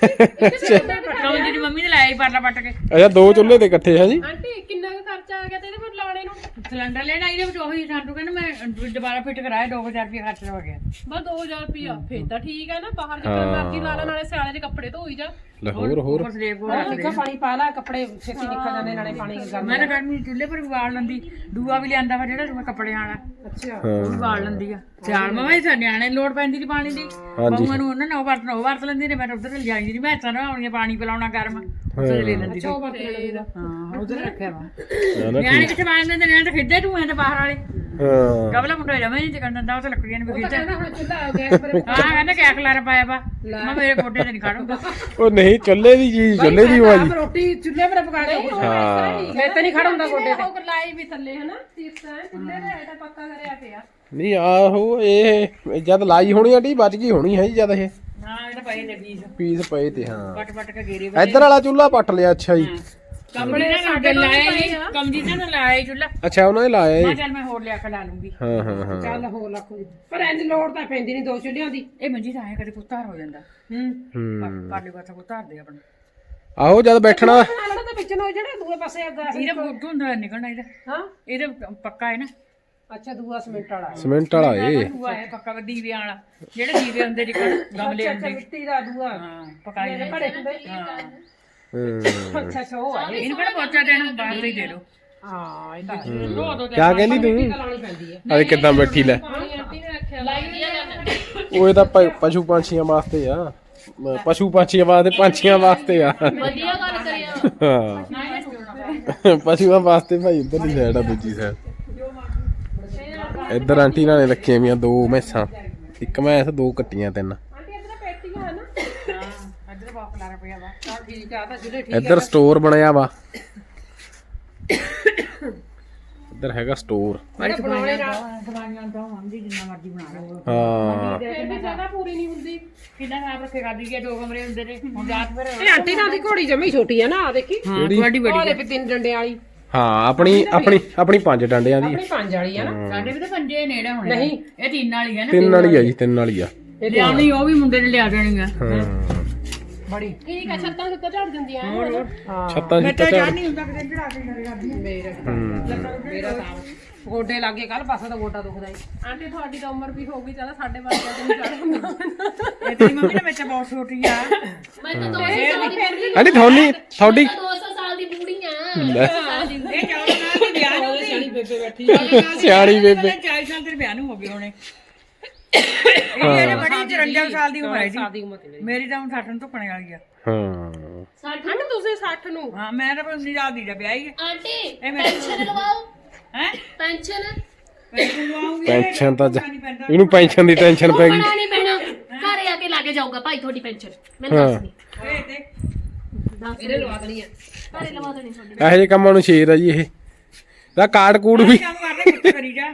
[SPEAKER 3] ਕਮਲ ਦੀ ਮੰਮੀ ਨੇ ਲਾਇਆ ਹੀ ਪਾਰਲਾ ਪੱਟ ਕੇ।
[SPEAKER 2] ਅੱਛਾ 2 ਚੁੱਲ੍ਹੇ ਤੇ ਇਕੱਠੇ ਹੈ ਜੀ?
[SPEAKER 5] ਆਂਟੀ ਕਿੰਨਾ ਕੁ ਖਰਚਾ ਆ ਗਿਆ ਤੇ ਇਹਦੇ ਪਰ ਲਾਉਣੇ ਨੂੰ?
[SPEAKER 3] ਸਿਲੰਡਰ ਲੈਣਾ ਇਹਦੇ ਵਿੱਚ ਉਹੀ ਸਾਨੂੰ ਕਹਿੰਦਾ ਮੈਂ ਦੁਬਾਰਾ ਫਿੱਟ ਕਰਾਇਆ 2,000 ਰੁਪਏ ਖਰਚ ਹੋ ਗਿਆ।
[SPEAKER 5] ਬਸ 2000 ਰੁਪਿਆ ਫੇਰ ਤਾਂ ਠੀਕ ਹੈ ਨਾ। ਬਾਹਰ ਜਿੱਦਾਂ ਮਰਜ਼ੀ ਲਾ ਲਾ, ਨਾਲੇ ਸਿਆਲੇ ਦੇ ਕੱਪੜੇ ਧੋਈ ਜਾ।
[SPEAKER 2] ਹੋਰ
[SPEAKER 3] ਉੱਪਰ ਸਲੇਬ ਕੋਲ ਰੱਖ
[SPEAKER 4] ਨਿੱਕਾ ਪਾਣੀ ਪਾ ਲਾ, ਕੱਪੜੇ ਛੇਤੀ ਨਿਕਲ ਜਾਂਦੇ ਨਾਲੇ ਪਾਣੀ ਗਰਮ।
[SPEAKER 3] ਮੈਂ ਤਾਂ ਗਰਮੀ ਚੁੱਲ੍ਹੇ ਪਰ ਵੀ ਵਾਲ ਲੈਂਦੀ। ਦੂਆ ਵੀ ਲਿਆਂਦਾ ਵਾ ਜਿਹੜਾ ਦੂਆ ਕੱਪੜਿਆਂ ਵਾਲਾ।
[SPEAKER 4] ਅੱਛਾ
[SPEAKER 3] ਉਹ ਵੀ ਵਾਲ ਲੈਂਦੀ ਆ। ਸਿਆਲ ਮਾ ਵੀ ਨਿਆਣੇ ਲੋੜ ਪੈਂਦੀ ਸੀ ਪਾਣੀ ਦੀ। ਬਹੂਆਂ ਨੂੰ ਉਹਨਾਂ ਨੇ ਉਹ ਵਰਤ ਲੈਂਦੀ ਨੇ। ਮੈਂ ਉੱਧਰ ਲੈ ਜਾਈਂਦੀ ਨਹੀਂ। ਮੈਂ ਤਾਂ ਨਾ ਆਉਣੀਆਂ ਪਾਣੀ ਪਿਲਾਉਣਾ ਗਰਮ ਉੱਧਰ ਲੈ ਲੈਂਦੀ ਸੀ। ਹਾਂ ਉੱਧਰ ਰੱਖਿਆ ਵਾ। ਨਿਆਣੇ ਕਿੱਥੇ ਵਾਲ ਲੈਂਦੇ? ਨਿਆਣੇ ਤਾਂ ਖੇਡਦੇ ਟੂਆਂ ਤੇ ਬਾਹਰ ਵਾਲੇ।
[SPEAKER 2] ਹਾਂ
[SPEAKER 3] ਕਬਲਾ ਮੁੰਡਾ ਜਮੇ ਨਹੀਂ ਚਕਣ ਦਿੰਦਾ। ਉਹ ਤਾਂ ਲੱਕੜੀਆਂ ਨੇ ਖੇਡਦਾ।
[SPEAKER 4] ਹੁਣ ਚੁੱਲ੍ਹਾ ਗੈਸ ਪਰ
[SPEAKER 3] ਹਾਂ ਕਹਿੰਦਾ ਕਿਆ ਖਲਾਰਾ ਪਾਇਆ ਵਾ। ਮੈਂ ਮੇਰੇ ਗੋਡੇ ਤੇ ਨਹੀਂ ਖੜੂਗਾ।
[SPEAKER 2] ਉਹ ਨਹੀਂ ਚੁੱਲ੍ਹੇ ਦੀ ਚੀਜ਼ ਚੁੱਲ੍ਹੇ ਦੀ ਹੋਆ ਜੀ।
[SPEAKER 4] ਰੋਟੀ ਚੁੱਲ੍ਹੇ ਪਰ ਪਕਾ ਕੇ
[SPEAKER 2] ਹਾਂ
[SPEAKER 4] ਮੈਂ ਤਾਂ ਨਹੀਂ ਖੜਾ ਹੁੰਦਾ ਗੋਡੇ ਤੇ।
[SPEAKER 5] ਉਹ ਲਾਈ ਵੀ ਥੱਲੇ ਹਨਾ ਸੀਟਾਂ ਚੁੱਲ੍ਹੇ ਦਾ ਇਹਦਾ ਪੱਕਾ ਕਰਿਆ ਪਿਆ।
[SPEAKER 2] ਨਹੀਂ ਆਹੋ ਇਹ ਜਦ ਲਾਈ ਹੋਣੀ ਆ ਢੀ ਬਚ ਗਈ ਹੋਣੀ ਹੈ ਜੀ ਜਦ ਇਹ
[SPEAKER 3] ਹਾਂ ਇਹ ਤਾਂ ਪਏ ਨੇ
[SPEAKER 2] ਪੀਸ ਪਏ ਤੇ। ਹਾਂ
[SPEAKER 3] ਪੱਟ ਪੱਟ ਕੇ ਗੇਰੇ
[SPEAKER 2] ਇੱਧਰ ਵਾਲਾ ਚੁੱਲ੍ਹਾ ਪੱਟ ਲਿਆ। ਅੱਛਾ ਜੀ
[SPEAKER 3] ਕੰਬਲੇ ਨਾਲ ਸਾਡੇ ਲਾਇਆ ਹੀ ਕਮਜੀ ਨਾਲ ਲਾਇਆ ਚੁੱਲ੍ਹਾ।
[SPEAKER 2] ਅੱਛਾ ਉਹਨਾਂ ਨੇ ਲਾਇਆ
[SPEAKER 3] ਮੈਂ
[SPEAKER 2] ਜੀ।
[SPEAKER 3] ਚੱਲ ਮੈਂ ਹੋਰ ਲਿਆ ਕੇ ਲਾ ਲੂੰਗੀ।
[SPEAKER 2] ਹਾਂ ਹਾਂ ਹਾਂ
[SPEAKER 4] ਚੱਲ ਹੋ ਲੱਖ ਪਰ ਇੰਜ ਲੋੜ ਤਾਂ ਪੈਂਦੀ ਨਹੀਂ 2 ਚੁੱਲ੍ਹਿਆਂ ਦੀ।
[SPEAKER 3] ਇਹ ਮੰਜੀ ਤਾਂ ਐ ਕਦੇ ਕੁੱਤਾਰ ਹੋ ਜਾਂਦਾ।
[SPEAKER 2] ਹੂੰ
[SPEAKER 3] ਪਾਲੇ ਪਾਸਾ ਕੁੱਤਾਰ ਦੇ ਆਪਣਾ।
[SPEAKER 2] ਆਹੋ ਜਦ ਬੈਠਣਾ
[SPEAKER 4] ਬਣਾ ਲੈਣਾ ਤਾਂ ਵਿੱਚ ਨੂੰ ਜਿਹੜਾ ਦੂਏ ਪਾਸੇ ਅੱਗਾ
[SPEAKER 3] ਇਹਦਾ ਬੁੱਧ ਹੁੰਦਾ ਨਿਕਲਣਾ ਇਹਦਾ।
[SPEAKER 4] ਹਾਂ
[SPEAKER 3] ਇਹਦੇ ਪੱਕਾ ਹੈ ਨਾ।
[SPEAKER 4] ਅੱਛਾ ਦੂਆ ਸੀਮੈਂਟ ਵਾਲਾ।
[SPEAKER 2] ਸੀਮੈਂਟ ਵਾਲਾ ਏ।
[SPEAKER 3] ਦੂਆ ਹੈ ਪੱਕਾ ਦੀਵਿਆਂ ਵਾਲਾ। ਜਿਹੜੇ ਦੀਵੇ ਹੁੰਦੇ ਜਿੱਕਣ ਗਮਲੇ
[SPEAKER 4] ਅੱਛਾ
[SPEAKER 3] ਹੁੰਦੇ।
[SPEAKER 4] ਮਿੱਟੀ ਦਾ ਦੂਆ
[SPEAKER 3] ਹਾਂ ਪਕਾਈ ਦੇ।
[SPEAKER 4] ਘੜੇ ਹੁੰਦੇ।
[SPEAKER 3] ਹਾਂ
[SPEAKER 4] ਅੱਛਾ ਅੱਛਾ ਉਹ ਆ।
[SPEAKER 3] ਇਹਨੂੰ ਕਿਹੜਾ ਪੋਚਾ ਦੇਣਾ ਬਾਹਰ ਦੇ ਦੇ ਦੋ।
[SPEAKER 4] ਹਾਂ ਇਹ ਤਾਂ
[SPEAKER 3] ਧੋ ਦੋ
[SPEAKER 2] ਕਿਆ ਕਹਿੰਦੀ ਤੂੰ?
[SPEAKER 4] ਲਾਉਣੀ ਪੈਂਦੀ ਹੈ।
[SPEAKER 2] ਅਰੇ ਕਿੱਦਾਂ ਬੈਠੀ ਲੈ।
[SPEAKER 5] ਆਂਟੀ ਨੇ ਰੱਖਿਆ ਲਾਈ
[SPEAKER 2] ਉਹ ਇਹ ਤਾਂ ਪਸ਼ੂ ਪੰਛੀਆਂ ਵਾਸਤੇ ਆ। ਪਸ਼ੂ ਪੰਛੀਆਂ ਵਾਸਤੇ ਪੰਛੀਆਂ ਵਾਸਤੇ ਆ।
[SPEAKER 1] ਵਧੀਆ ਗੱਲ ਕਰਿਆ।
[SPEAKER 2] ਹਾਂ ਪਸ਼ੂਆਂ ਵਾਸਤੇ ਭਾਈ ਉੱਧਰ ਦੀ ਸਾਈਡ ਆ ਦੂਜੀ ਸਾਈਡ। ਇੱਧਰ ਆਂਟੀ ਨਾਲ ਨੇ ਰੱਖੀਆਂ ਵੀਆਂ 2 ਮੈਸਾਂ। 1 ਮੈਸ 2 ਕੱਟੀਆਂ 3।
[SPEAKER 5] ਆਂਟੀ ਇੱਧਰ ਪੇਟੀਆਂ ਹੈ ਨਾ।
[SPEAKER 3] ਹਾਂ ਇੱਧਰ ਬਾਪ ਲਾ ਰੁਪਿਆ ਵਾ।
[SPEAKER 4] ਚੱਲ ਠੀਕ ਆ ਤਾਂ ਜਿਹੜੇ ਠੀਕ
[SPEAKER 2] ਇੱਧਰ ਸਟੋਰ ਬਣਿਆ ਵਾ। ਇੱਧਰ ਹੈਗਾ ਸਟੋਰ।
[SPEAKER 4] ਬਣਾਉਣੇ ਨਾਲ
[SPEAKER 3] ਦਵਾਈਆਂ ਤਾਂ ਹੁੰਦੀ ਜਿੰਨਾ ਮਰਜ਼ੀ ਬਣਾ ਲਓ।
[SPEAKER 2] ਹਾਂ
[SPEAKER 5] ਫਿਰ ਵੀ ਜਗ੍ਹਾ ਪੂਰੀ ਨਹੀਂ ਹੁੰਦੀ।
[SPEAKER 3] ਕਿੰਨਾ ਸਾਫ ਰੱਖੇ ਕਰਦੀ ਗਿਆ 2 ਕਮਰੇ ਹੁੰਦੇ ਨੇ। ਹੁਣ ਰਾਤ ਫਿਰ
[SPEAKER 4] ਇਹ ਆਂਟੀ ਨਾਲ ਦੀ ਘੋੜੀ ਜਮੀ ਛੋਟੀ ਆ ਨਾ ਆ ਦੇਖੀ।
[SPEAKER 3] ਵੱਡੀ
[SPEAKER 4] ਉਹ ਲੈ ਵੀ 3 ਡੰਡਿਆਂ ਵਾਲੀ।
[SPEAKER 2] ਹਾਂ ਆਪਣੀ 5 ਡੰਡਿਆਂ ਦੀ।
[SPEAKER 4] ਆਪਣੀ 5 ਵਾਲੀ ਆ ਨਾ।
[SPEAKER 3] ਸਾਡੇ ਵੀ ਤਾਂ ਪੰਜੇ ਨੇੜੇ ਹੋਣੇ।
[SPEAKER 4] ਨਹੀਂ
[SPEAKER 3] ਇਹ 3 ਵਾਲੀ ਹੈ ਨਾ।
[SPEAKER 2] 3 ਵਾਲੀ ਆ ਜੀ 3 ਵਾਲੀ ਆ।
[SPEAKER 3] ਲਿਆਉਣੀ ਉਹ ਵੀ ਮੁੰਡੇ ਨੇ ਲਿਆ ਦੇਣੀ ਆ।
[SPEAKER 2] ਹਾਂ
[SPEAKER 3] ਬੜੀ
[SPEAKER 5] ਠੀਕ ਆ ਛੱਤਾਂ ਸੁੱਤਾਂ ਝੜ ਜਾਂਦੀਆਂ ਐ।
[SPEAKER 2] ਛੱਤਾਂ
[SPEAKER 3] ਮੈਂ
[SPEAKER 2] ਛੁੱਤਾਂ
[SPEAKER 3] ਤਾਂ
[SPEAKER 2] ਝਾੜ।
[SPEAKER 3] ਜਾਣ ਨਹੀਂ ਹੁੰਦਾ ਕਿਤੇ ਚੜਾ ਕੇ ਕਰੇ ਕਰਦੀ।
[SPEAKER 4] ਮੇਰਾ ਤਾਂ ਗੋਡੇ ਲੱਗੇ ਕੱਲ ਪਾਸਾ ਤਾਂ ਗੋਡਾ ਦੁਖਦਾ ਈ।
[SPEAKER 5] ਆਂਟੀ ਤੁਹਾਡੀ ਤਾਂ ਉਮਰ ਵੀ ਹੋ ਗਈ ਚੱਲ ਸਾਡੇ ਵਰਗਾ ਦਿਨ ਚੜ ਹੁੰਦਾ।
[SPEAKER 3] ਇਹ ਤੇਰੀ ਮੰਮੀ ਨੇ ਵਿੱਚ ਬਹੁਤ ਛੋਟੀ ਆ।
[SPEAKER 1] ਮੈਂ ਤਾਂ 200 ਸਾਲ ਦੀ ਬੁੜੀ
[SPEAKER 2] ਆਂਟੀ ਤੁਹਾਡੀ
[SPEAKER 1] 200 ਸਾਲ ਦੀ ਬੁੜੀ ਆ।
[SPEAKER 3] ਇਹ 14 ਸਾਲ ਦੀ ਵਿਆਹ ਨੂੰ ਸਿਆਣੀ ਬੇਬੇ ਬੈਠੀ।
[SPEAKER 2] ਸਿਆਣੀ ਬੇਬੇ।
[SPEAKER 3] 40 ਸਾਲ ਦੇ ਵਿਆਹ ਨੂੰ ਹੋ ਗਏ ਹੋਣੇ। ਇਹ ਬੜੀ 54 ਸਾਲ ਦੀ ਉਮਰ ਹੈ ਜੀ।
[SPEAKER 4] ਸਾਦੀ ਉਮਰ ਤੇ
[SPEAKER 3] ਮੇਰੀ ਤਾਂ ਹੁਣ 60 ਨੂੰ ਧੁੱਕਣੇ ਵਾਲੀ ਆ।
[SPEAKER 2] ਹਾਂ
[SPEAKER 5] ਆਂਟੀ ਤੁਸੀਂ 60 ਨੂੰ।
[SPEAKER 3] ਹਾਂ ਮੈਂ ਤਾਂ 19 ਸਾਲ ਦੀ ਵਿਆਹ ਹੀ ਹੈ।
[SPEAKER 1] ਆਂਟੀ
[SPEAKER 3] ਇਹ ਮੇਰੀ-
[SPEAKER 1] ਪੈਨਸ਼ਨ ਲਵਾਓ।
[SPEAKER 3] ਹੈ
[SPEAKER 1] ਪੈਨਸ਼ਨ
[SPEAKER 2] ਪੈਨਸ਼ਨ ਤਾਂ ਇਹਨੂੰ ਪੈਨਸ਼ਨ ਦੀ ਟੈਨਸ਼ਨ ਪੈ ਗਈ।
[SPEAKER 1] ਬਣਾ ਨਹੀਂ ਪੈਣਾ। ਘਰੇ ਆ ਕੇ ਲਾ ਕੇ ਜਾਊਗਾ ਭਾਈ ਤੁਹਾਡੀ ਪੈਨਸ਼ਨ। ਮੈਂ ਦੱਸ ਨਹੀਂ।
[SPEAKER 4] ਇਹਨੇ ਲਵਾ ਦੇਣੀ ਆ।
[SPEAKER 1] ਘਰੇ ਲਵਾ ਦੇਣੀ ਤੁਹਾਡੀ।
[SPEAKER 2] ਇਹੋ ਜਿਹੇ ਕੰਮਾਂ ਨੂੰ ਸ਼ੇਰ ਆ ਜੀ ਇਹ। ਦਾ ਕਾਰਡ ਕੂਡ ਵੀ।
[SPEAKER 3] ਕੰਮ ਕਰਦੇ ਕੁੱਤੇ ਕਰੀ ਜਾ।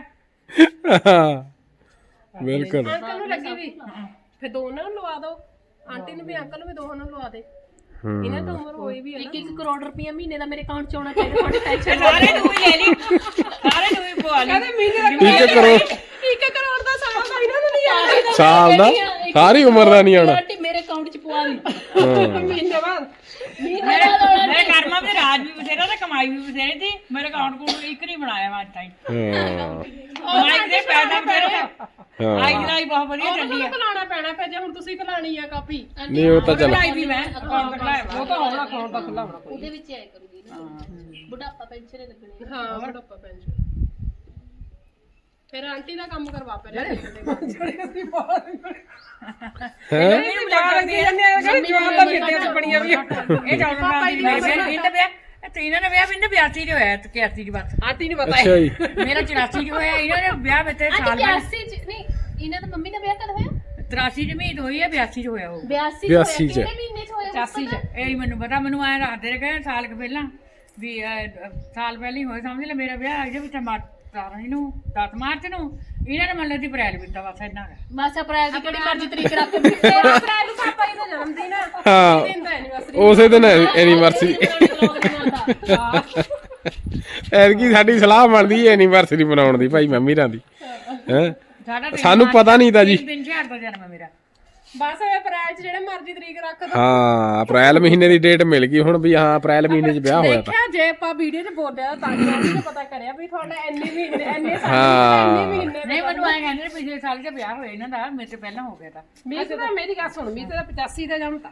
[SPEAKER 2] ਬਿਲਕੁਲ।
[SPEAKER 5] ਅੰਕਲ ਨੂੰ ਲੱਗੀ ਵੀ ਫਿਰ ਦੋਨਾਂ ਨੂੰ ਲਵਾ ਦਿਓ। ਆਂਟੀ ਨੂੰ ਵੀ ਅੰਕਲ ਨੂੰ ਵੀ ਦੋਹਾਂ ਨੂੰ ਲਵਾ ਦੇ। ਇਹਨਾਂ ਤਾਂ ਉਮਰ ਹੋਈ ਵੀ ਹੈ ਨਾ।
[SPEAKER 1] 1 ਕਰੋੜ ਰੁਪਇਆ ਮਹੀਨੇ ਦਾ ਮੇਰੇ ਅਕਾਊਂਟ 'ਚ ਆਉਣਾ ਚਾਹੀਦਾ ਤੁਹਾਡੀ ਪੈਨਸ਼ਨ।
[SPEAKER 3] ਸਾਰੇ ਨੂੰ ਵੀ ਲੈ ਲਈ। ਸਾਰੇ ਨੂੰ ਵੀ ਪਵਾ ਲਈ।
[SPEAKER 2] ਇੱਕ ਕਰੋੜ
[SPEAKER 5] 1 ਕਰੋੜ ਦਾ ਸਾਲ ਦਾ ਇਹਨਾਂ ਨੂੰ ਨਹੀਂ ਆਉਂਦਾ।
[SPEAKER 2] ਸਾਲ ਦਾ ਸਾਰੀ ਉਮਰ ਦਾ ਨਹੀਂ ਆਉਣਾ।
[SPEAKER 1] ਆਂਟੀ ਮੇਰੇ ਅਕਾਊਂਟ 'ਚ ਪਵਾ ਲਈ।
[SPEAKER 5] ਮਹੀਨੇ ਬਾਅਦ
[SPEAKER 3] ਮੇਰੇ ਕਰਮਾਂ ਦੇ ਰਾਜ ਵੀ ਬਥੇਰਾ ਤੇ ਕਮਾਈ ਵੀ ਬਥੇਰੀ ਸੀ। ਮੇਰੇ ਅਕਾਊਂਟ ਕੋਲ ਇੱਕ ਨਹੀਂ ਬਣਾਇਆ ਮੈਂ ਅੱਜ ਤਾਈਂ। ਕਮਾਈ ਦੇ ਪੈਦਾ ਮੇਰੇ ਆਈ ਜਰਾਈ ਬਹੁਤ ਵਧੀਆ ਚੱਲੀ ਆ।
[SPEAKER 5] ਖਲਾਣਾ ਪੈਣਾ ਫਿਰ ਜੇ ਹੁਣ ਤੁਸੀਂ ਖਲਾਣੀ ਆ ਕਾਪੀ।
[SPEAKER 2] ਨਹੀਂ ਉਹ ਤਾਂ ਚੱਲ।
[SPEAKER 3] ਬਣਾਈ ਵੀ ਮੈਂ ਅਕਾਊਂਟ ਬਣਾਇਆ
[SPEAKER 4] ਉਹ ਤਾਂ ਹੋਣਾ ਅਕਾਊਂਟ ਦਾ ਖੁੱਲਾ ਹੋਣਾ।
[SPEAKER 1] ਉਹਦੇ ਵਿੱਚ ਆਇਆ ਕਰੂਗੀ ਨਾ। ਬੁਢਾਪਾ ਪੈਨਸ਼ਨ ਲੱਗਣੀ।
[SPEAKER 5] ਹਾਂ ਬੁਢਾਪਾ ਪੈਨਸ਼ਨ। ਫਿਰ ਆਂਟੀ ਦਾ ਕੰਮ ਕਰਵਾ ਪਹਿਲਾਂ।
[SPEAKER 3] ਇਹਨੂੰ ਬੁਲਾ ਕੇ
[SPEAKER 4] ਜਵਾਬ ਤਾਂ ਫਿਰਦੇ ਆ ਬੜੀਆਂ ਵੀ।
[SPEAKER 3] ਇਹ ਜਾਉਣ ਵਾਲੀ ਮੇਰੇ ਬਿੰਦ ਵਿਆਹ ਤੇ ਇਹਨਾਂ ਨੇ ਵਿਆਹ ਬਿੰਦ 82 ਚ ਹੋਇਆ ਤੇ 81 ਚ ਬਸ।
[SPEAKER 4] ਆਂਟੀ ਨਹੀਂ ਪਤਾ
[SPEAKER 2] ਅੱਛਾ ਜੀ।
[SPEAKER 3] ਮੇਰਾ 84 ਚ ਹੋਇਆ। ਇਹਨਾਂ ਨੇ ਵਿਆਹ ਵਿੱਚ ਸਾਲ ਬਾਅਦ
[SPEAKER 1] 81 'ਚ ਨਹੀਂ ਇਹਨਾਂ ਦਾ ਮੰਮੀ ਦਾ ਵਿਆਹ ਕਦ ਹੋਇਆ?
[SPEAKER 3] 83 ਚ ਮਹੀਤ ਹੋਈ ਹੈ 82 ਚ ਹੋਇਆ ਉਹ
[SPEAKER 1] 82
[SPEAKER 2] 82 ਚ।
[SPEAKER 1] ਕਿਹੜੇ ਮਹੀਨੇ ਚ ਹੋਇਆ
[SPEAKER 3] 85 ਚ ਇਹ ਨਹੀਂ ਮੈਨੂੰ ਪਤਾ, ਮੈਨੂੰ ਐਂ ਦੱਸਦੇ ਰਹੇ ਕਿ ਸਾਲ ਕੁ ਪਹਿਲਾਂ ਵੀ ਸਾਲ ਪਹਿਲਾਂ ਹੀ ਹੋਇਆ, ਸਮਝ ਲੈ ਮੇਰਾ ਵਿਆਹ ਇਹਦੇ ਵਿੱਚ 17 ਨੂੰ 10 ਮਾਰਚ ਨੂੰ, ਇਹਨਾਂ ਨੇ ਮੰਨ ਦੀ ਅਪ੍ਰੈਲ ਵਿੱਚ ਬਸ ਇੰਨਾ ਕੁ।
[SPEAKER 1] ਬਸ ਅਪ੍ਰੈਲ ਦੀ ਕਿਹੜੀ ਮਰਜ਼ੀ ਤਰੀਕ ਰੱਖ ਕੇ
[SPEAKER 5] ਤੇਰਾ ਅਪ੍ਰੈਲ ਨੂੰ ਪਾਪਾ ਜੀ ਦਾ ਜਨਮ ਦਿਨ ਆ
[SPEAKER 2] ਹਾਂ
[SPEAKER 5] ਦਿਨ ਦਾ ਐਨੀਵਰਸਰੀ
[SPEAKER 2] ਉਸੇ ਦਿਨ ਐਨੀਵਰਸਰੀ ਐਤਕੀ ਸਾਡੀ ਸਲਾਹ ਬਣਦੀ ਹੈ ਐਨੀਵਰਸਰੀ ਮਨਾਉਣ ਦੀ ਭਾਈ ਮੰਮੀ ਰਾਂ ਦੀ ਹੈ
[SPEAKER 3] ਸਾਡਾ
[SPEAKER 2] ਸਾਨੂੰ ਪਤਾ ਨਹੀਂ ਤਾਂ ਜੀ।
[SPEAKER 3] 3000 ਦਾ ਜਨਮ ਹੈ ਮੇਰਾ।
[SPEAKER 5] ਬਸ ਅਪ੍ਰੈਲ ਚ ਜਿਹੜੇ ਮਰਜ਼ੀ ਤਰੀਕ ਰੱਖ ਦੋ।
[SPEAKER 2] ਹਾਂ ਅਪ੍ਰੈਲ ਮਹੀਨੇ ਦੀ ਡੇਟ ਮਿਲ ਗਈ ਹੁਣ ਵੀ ਹਾਂ ਅਪ੍ਰੈਲ ਮਹੀਨੇ 'ਚ ਵਿਆਹ ਹੋਇਆ ਤਾਂ
[SPEAKER 5] ਦੇਖਿਆ ਜੇ ਆਪਾਂ ਵੀਡੀਓ 'ਚ ਬੋਲਿਆ ਤਾਂ ਕਿ ਆਂਟੀ ਨੇ ਪਤਾ ਕਰਿਆ ਵੀ ਤੁਹਾਡਾ ਇੰਨੇ ਮਹੀਨੇ ਇੰਨੇ ਸਾਲ
[SPEAKER 2] ਹਾਂ।
[SPEAKER 5] ਇੰਨੇ ਮਹੀਨੇ
[SPEAKER 3] ਨਹੀਂ ਮੈਨੂੰ ਐਂ ਕਹਿੰਦੇ ਨੇ ਪਿਛਲੇ ਸਾਲ ਚ ਵਿਆਹ ਹੋਇਆ ਇਹਨਾਂ ਦਾ, ਮੇਰੇ ਤੋਂ ਪਹਿਲਾਂ ਹੋ ਗਿਆ ਤਾਂ
[SPEAKER 5] ਮੀਤ ਦਾ ਮੇਰੀ ਗੱਲ ਸੁਣ ਮੀਤ ਦਾ 85 ਦਾ ਜਨਮ ਤਾਂ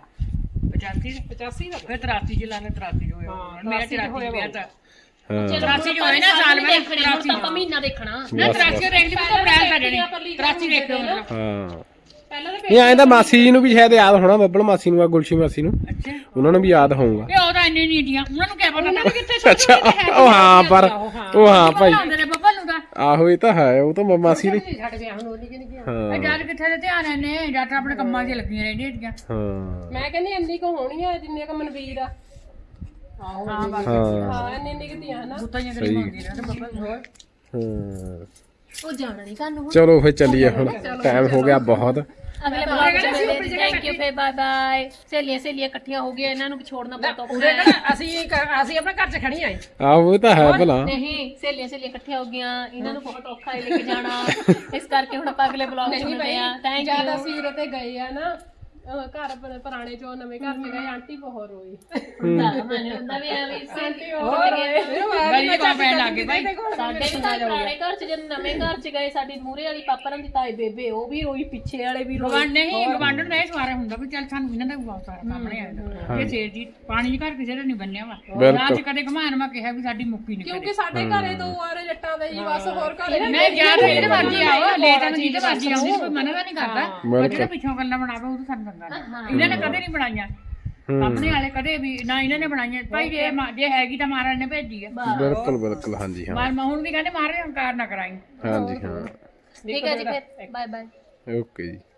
[SPEAKER 3] 85 ਦਾ ਫਿਰ 83 ਚ ਲਾਣੇ 83 ਚ ਹੋਇਆ ਮੇਰਾ 84 ਵਿਆਹ ਤਾਂ
[SPEAKER 2] ਹਾਂ
[SPEAKER 3] 83 ਚ ਹੋਇਆ ਨਾ ਸਾਲ ਮੈਂ
[SPEAKER 1] ਦੇਖਣੇ ਹੁਣ ਤਾਂ ਆਪਾਂ ਮਹੀਨਾ ਦੇਖਣਾ
[SPEAKER 3] ਨਾ 83 ਰੈਂਕ ਤੇ ਅਪ੍ਰੈਲ ਦਾ ਜਣੀ 83 ਦੇਖੋ ਮਤਲਬ।
[SPEAKER 2] ਹਾਂ
[SPEAKER 5] ਪਹਿਲਾਂ ਤਾਂ
[SPEAKER 2] ਇਹ ਐਂ ਤਾਂ ਮਾਸੀ ਜੀ ਨੂੰ ਵੀ ਸ਼ਾਇਦ ਯਾਦ ਹੋਣਾ ਬੱਬਲ ਮਾਸੀ ਨੂੰ ਆ ਗੁਲਸ਼ੀ ਮਾਸੀ ਨੂੰ
[SPEAKER 3] ਅੱਛਾ
[SPEAKER 2] ਉਹਨਾਂ ਨੂੰ ਵੀ ਯਾਦ ਹੋਊਗਾ
[SPEAKER 3] ਇਹ ਉਹਦਾ ਇੰਨੇ ਨਹੀਂ ਦੀਆਂ ਉਹਨਾਂ ਨੂੰ ਕਿਆ ਪਤਾ ਕਿੱਥੇ
[SPEAKER 2] ਅੱਛਾ ਉਹ ਹਾਂ ਪਰ ਉਹ ਹਾਂ ਭਾਈ
[SPEAKER 3] ਆਉਂਦੇ ਨੇ ਬੱਬਲ ਨੂੰ ਤਾਂ
[SPEAKER 2] ਆਹੋ ਇਹ ਤਾਂ ਹੈ ਉਹ ਤਾਂ ਮਾਸੀ ਦੀ
[SPEAKER 5] ਛੱਡ ਗਿਆ ਹੁਣ ਉਹਦੀ ਕਿਹਨੇ ਗਿਆ
[SPEAKER 2] ਹਾਂ
[SPEAKER 3] ਜਦ ਕਿੱਥੇ ਦੇ ਧਿਆਨ ਨੇ ਜਦ ਆਪਣੇ ਕੰਮਾਂ 'ਚ ਲੱਗੀਆਂ ਰਹਿੰਦੀਆਂ ਹੈਗੀਆਂ।
[SPEAKER 2] ਹਾਂ
[SPEAKER 5] ਮੈਂ ਕਹਿੰਦੀ ਇੰਨੀ ਕੁ ਹੋਣੀ ਆ ਜਿੰਨੇ ਕੁ ਮਨਵੀਰ ਆ
[SPEAKER 3] ਹਾਂ ਬਸ
[SPEAKER 2] ਹਾਂ
[SPEAKER 5] ਹਾਂ ਇੰਨੀ ਕੁ ਦੀਆਂ ਨਾ
[SPEAKER 3] ਬੁੱਤਾਂ ਕਰੀ ਹੁੰਦੀਆਂ ਨੇ ਬੱਬਲ ਹੋਰ
[SPEAKER 2] ਹਾਂ
[SPEAKER 1] ਉਹ ਜਾਣਾ ਨਹੀਂ ਤੁਹਾਨੂੰ
[SPEAKER 2] ਚਲੋ ਫਿਰ ਚੱਲੀਏ ਹੁਣ ਟਾਈਮ ਹੋ ਗਿਆ ਬਹੁਤ
[SPEAKER 1] ਅਗਲੇ ਬਲੌਗ ਚ ਮਿਲਦੇ ਥੈਂਕ ਯੂ ਫੇ ਬਾਏ ਬਾਏ ਸਹੇਲੀਆਂ ਇਕੱਠੀਆਂ ਹੋ ਗਈਆਂ ਇਹਨਾਂ ਨੂੰ ਵੀ ਛੋੜਨਾ ਬਹੁਤ ਔਖਾ
[SPEAKER 5] ਉਹਦੇ
[SPEAKER 1] ਹੈ
[SPEAKER 5] ਕਹਿੰਦਾ ਅਸੀਂ ਆਪਣੇ ਘਰ 'ਚ ਖੜੀ ਆਏ
[SPEAKER 2] ਆਹੋ ਇਹ ਤਾਂ ਹੈ ਭਲਾ
[SPEAKER 1] ਨਹੀਂ ਸਹੇਲੀਆਂ ਇਕੱਠੀਆਂ ਹੋ ਗਈਆਂ ਇਹਨਾਂ ਨੂੰ ਬਹੁਤ ਔਖਾ ਹੈ ਲੈ ਕੇ ਜਾਣਾ ਇਸ ਕਰਕੇ ਹੁਣ ਆਪਾਂ ਅਗਲੇ ਬਲੌਗ ਚ ਮਿਲਦੇ ਆ ਥੈਂਕ
[SPEAKER 5] ਜਦ
[SPEAKER 1] ਯੂ
[SPEAKER 5] ਅਸੀਂ ਉਰੇ ਤੇ ਗਏ ਆ ਨਾ ਘਰ ਪੁਰਾਣੇ ਚੋਂ ਨਵੇਂ ਘਰ 'ਚ ਗਏ ਆਂਟੀ ਬਹੁਤ ਰੋਈ
[SPEAKER 1] ਹੁੰਦਾ ਵੀ ਆ ਵੀ
[SPEAKER 5] ਆਂਟੀ ਬਹੁਤ ਰੋਈ
[SPEAKER 3] ਗਲੀ ਕੋ ਪੈਣ ਲੱਗ ਗਏ ਭਾਈ
[SPEAKER 1] ਸਾਡੇ ਵੀ ਤਾਂ ਪੁਰਾਣੇ ਘਰ ਚ ਜਦੋਂ ਨਵੇਂ ਘਰ ਚ ਗਏ ਸਾਡੀ ਮੂਰੇ ਵਾਲੀ ਪਾਪਰਾਂ ਦੀ ਤਾਏ ਬੇਬੇ ਉਹ ਵੀ ਰੋਈ ਪਿੱਛੇ ਵਾਲੇ ਵੀ ਰੋਈ
[SPEAKER 3] ਗਵਾਂਡ ਨਹੀਂ ਗਵਾਂਡਣ ਦਾ ਇਹ ਸਵਾਰਾ ਹੁੰਦਾ ਵੀ ਚੱਲ ਸਾਨੂੰ ਇਹਨਾਂ ਦਾ ਵੀ ਬਹੁਤ ਸਾਰਾ ਸਾਹਮਣੇ ਆਇਆ ਇਹ ਸੇਰ ਜੀ ਪਾਣੀ ਘਰ ਕਿਸੇ ਦਾ ਨਹੀਂ ਬੰਨਿਆ ਵਾ ਰਾਤ ਕਦੇ ਘਮਾਨ ਮੈਂ ਕਿਹਾ ਵੀ ਸਾਡੀ ਮੁੱਕੀ ਨਹੀਂ
[SPEAKER 5] ਕਿਉਂਕਿ ਸਾਡੇ ਘਰੇ ਦੋ ਆਰੇ ਜੱਟਾਂ ਦੇ ਹੀ ਬਸ ਹੋਰ ਘਰੇ
[SPEAKER 3] ਮੈਂ ਜਾ ਰਹੀ ਇਹਦੇ ਮਰਜੀ ਆਓ ਲੇਟ ਨੂੰ ਜਿਹਦੇ ਮਰਜੀ ਆਉਂਦੀ ਕੋਈ ਮਨਾ ਤਾਂ ਨਹੀਂ ਕਰਦਾ ਪਰ ਜਿਹੜਾ ਪਿੱਛੋਂ ਗੱਲਾਂ ਬਣਾਵੇ ਉਹ ਤਾਂ ਸਾਨੂੰ ਚੰਗਾ ਨਹੀਂ ਇਹਨਾਂ ਨੇ ਕਦੇ ਨਹੀਂ ਬਣਾਈਆਂ ਆਪਣੇ ਵਾਲੇ ਕਦੇ ਵੀ ਨਾ ਇਹਨਾਂ ਨੇ ਬਣਾਈਆਂ ਭਾਈ ਜੇ ਹੈਗੀ ਤਾਂ ਮਹਾਰਾਜ ਨੇ ਭੇਜੀ ਆ
[SPEAKER 2] ਬਿਲਕੁਲ ਬਿਲਕੁਲ ਹਾਂਜੀ ਹਾਂ
[SPEAKER 3] ਮਾਰ ਹੁਣ ਵੀ ਕਹਿੰਦੇ ਮਹਾਰਾਜ ਹੰਕਾਰ ਨਾ ਕਰਾਈ
[SPEAKER 2] ਹਾਂਜੀ ਹਾਂ
[SPEAKER 1] ਠੀਕ ਹੈ ਜੀ ਫਿਰ ਬਾਏ ਬਾਏ
[SPEAKER 2] ਓਕੇ ਜੀ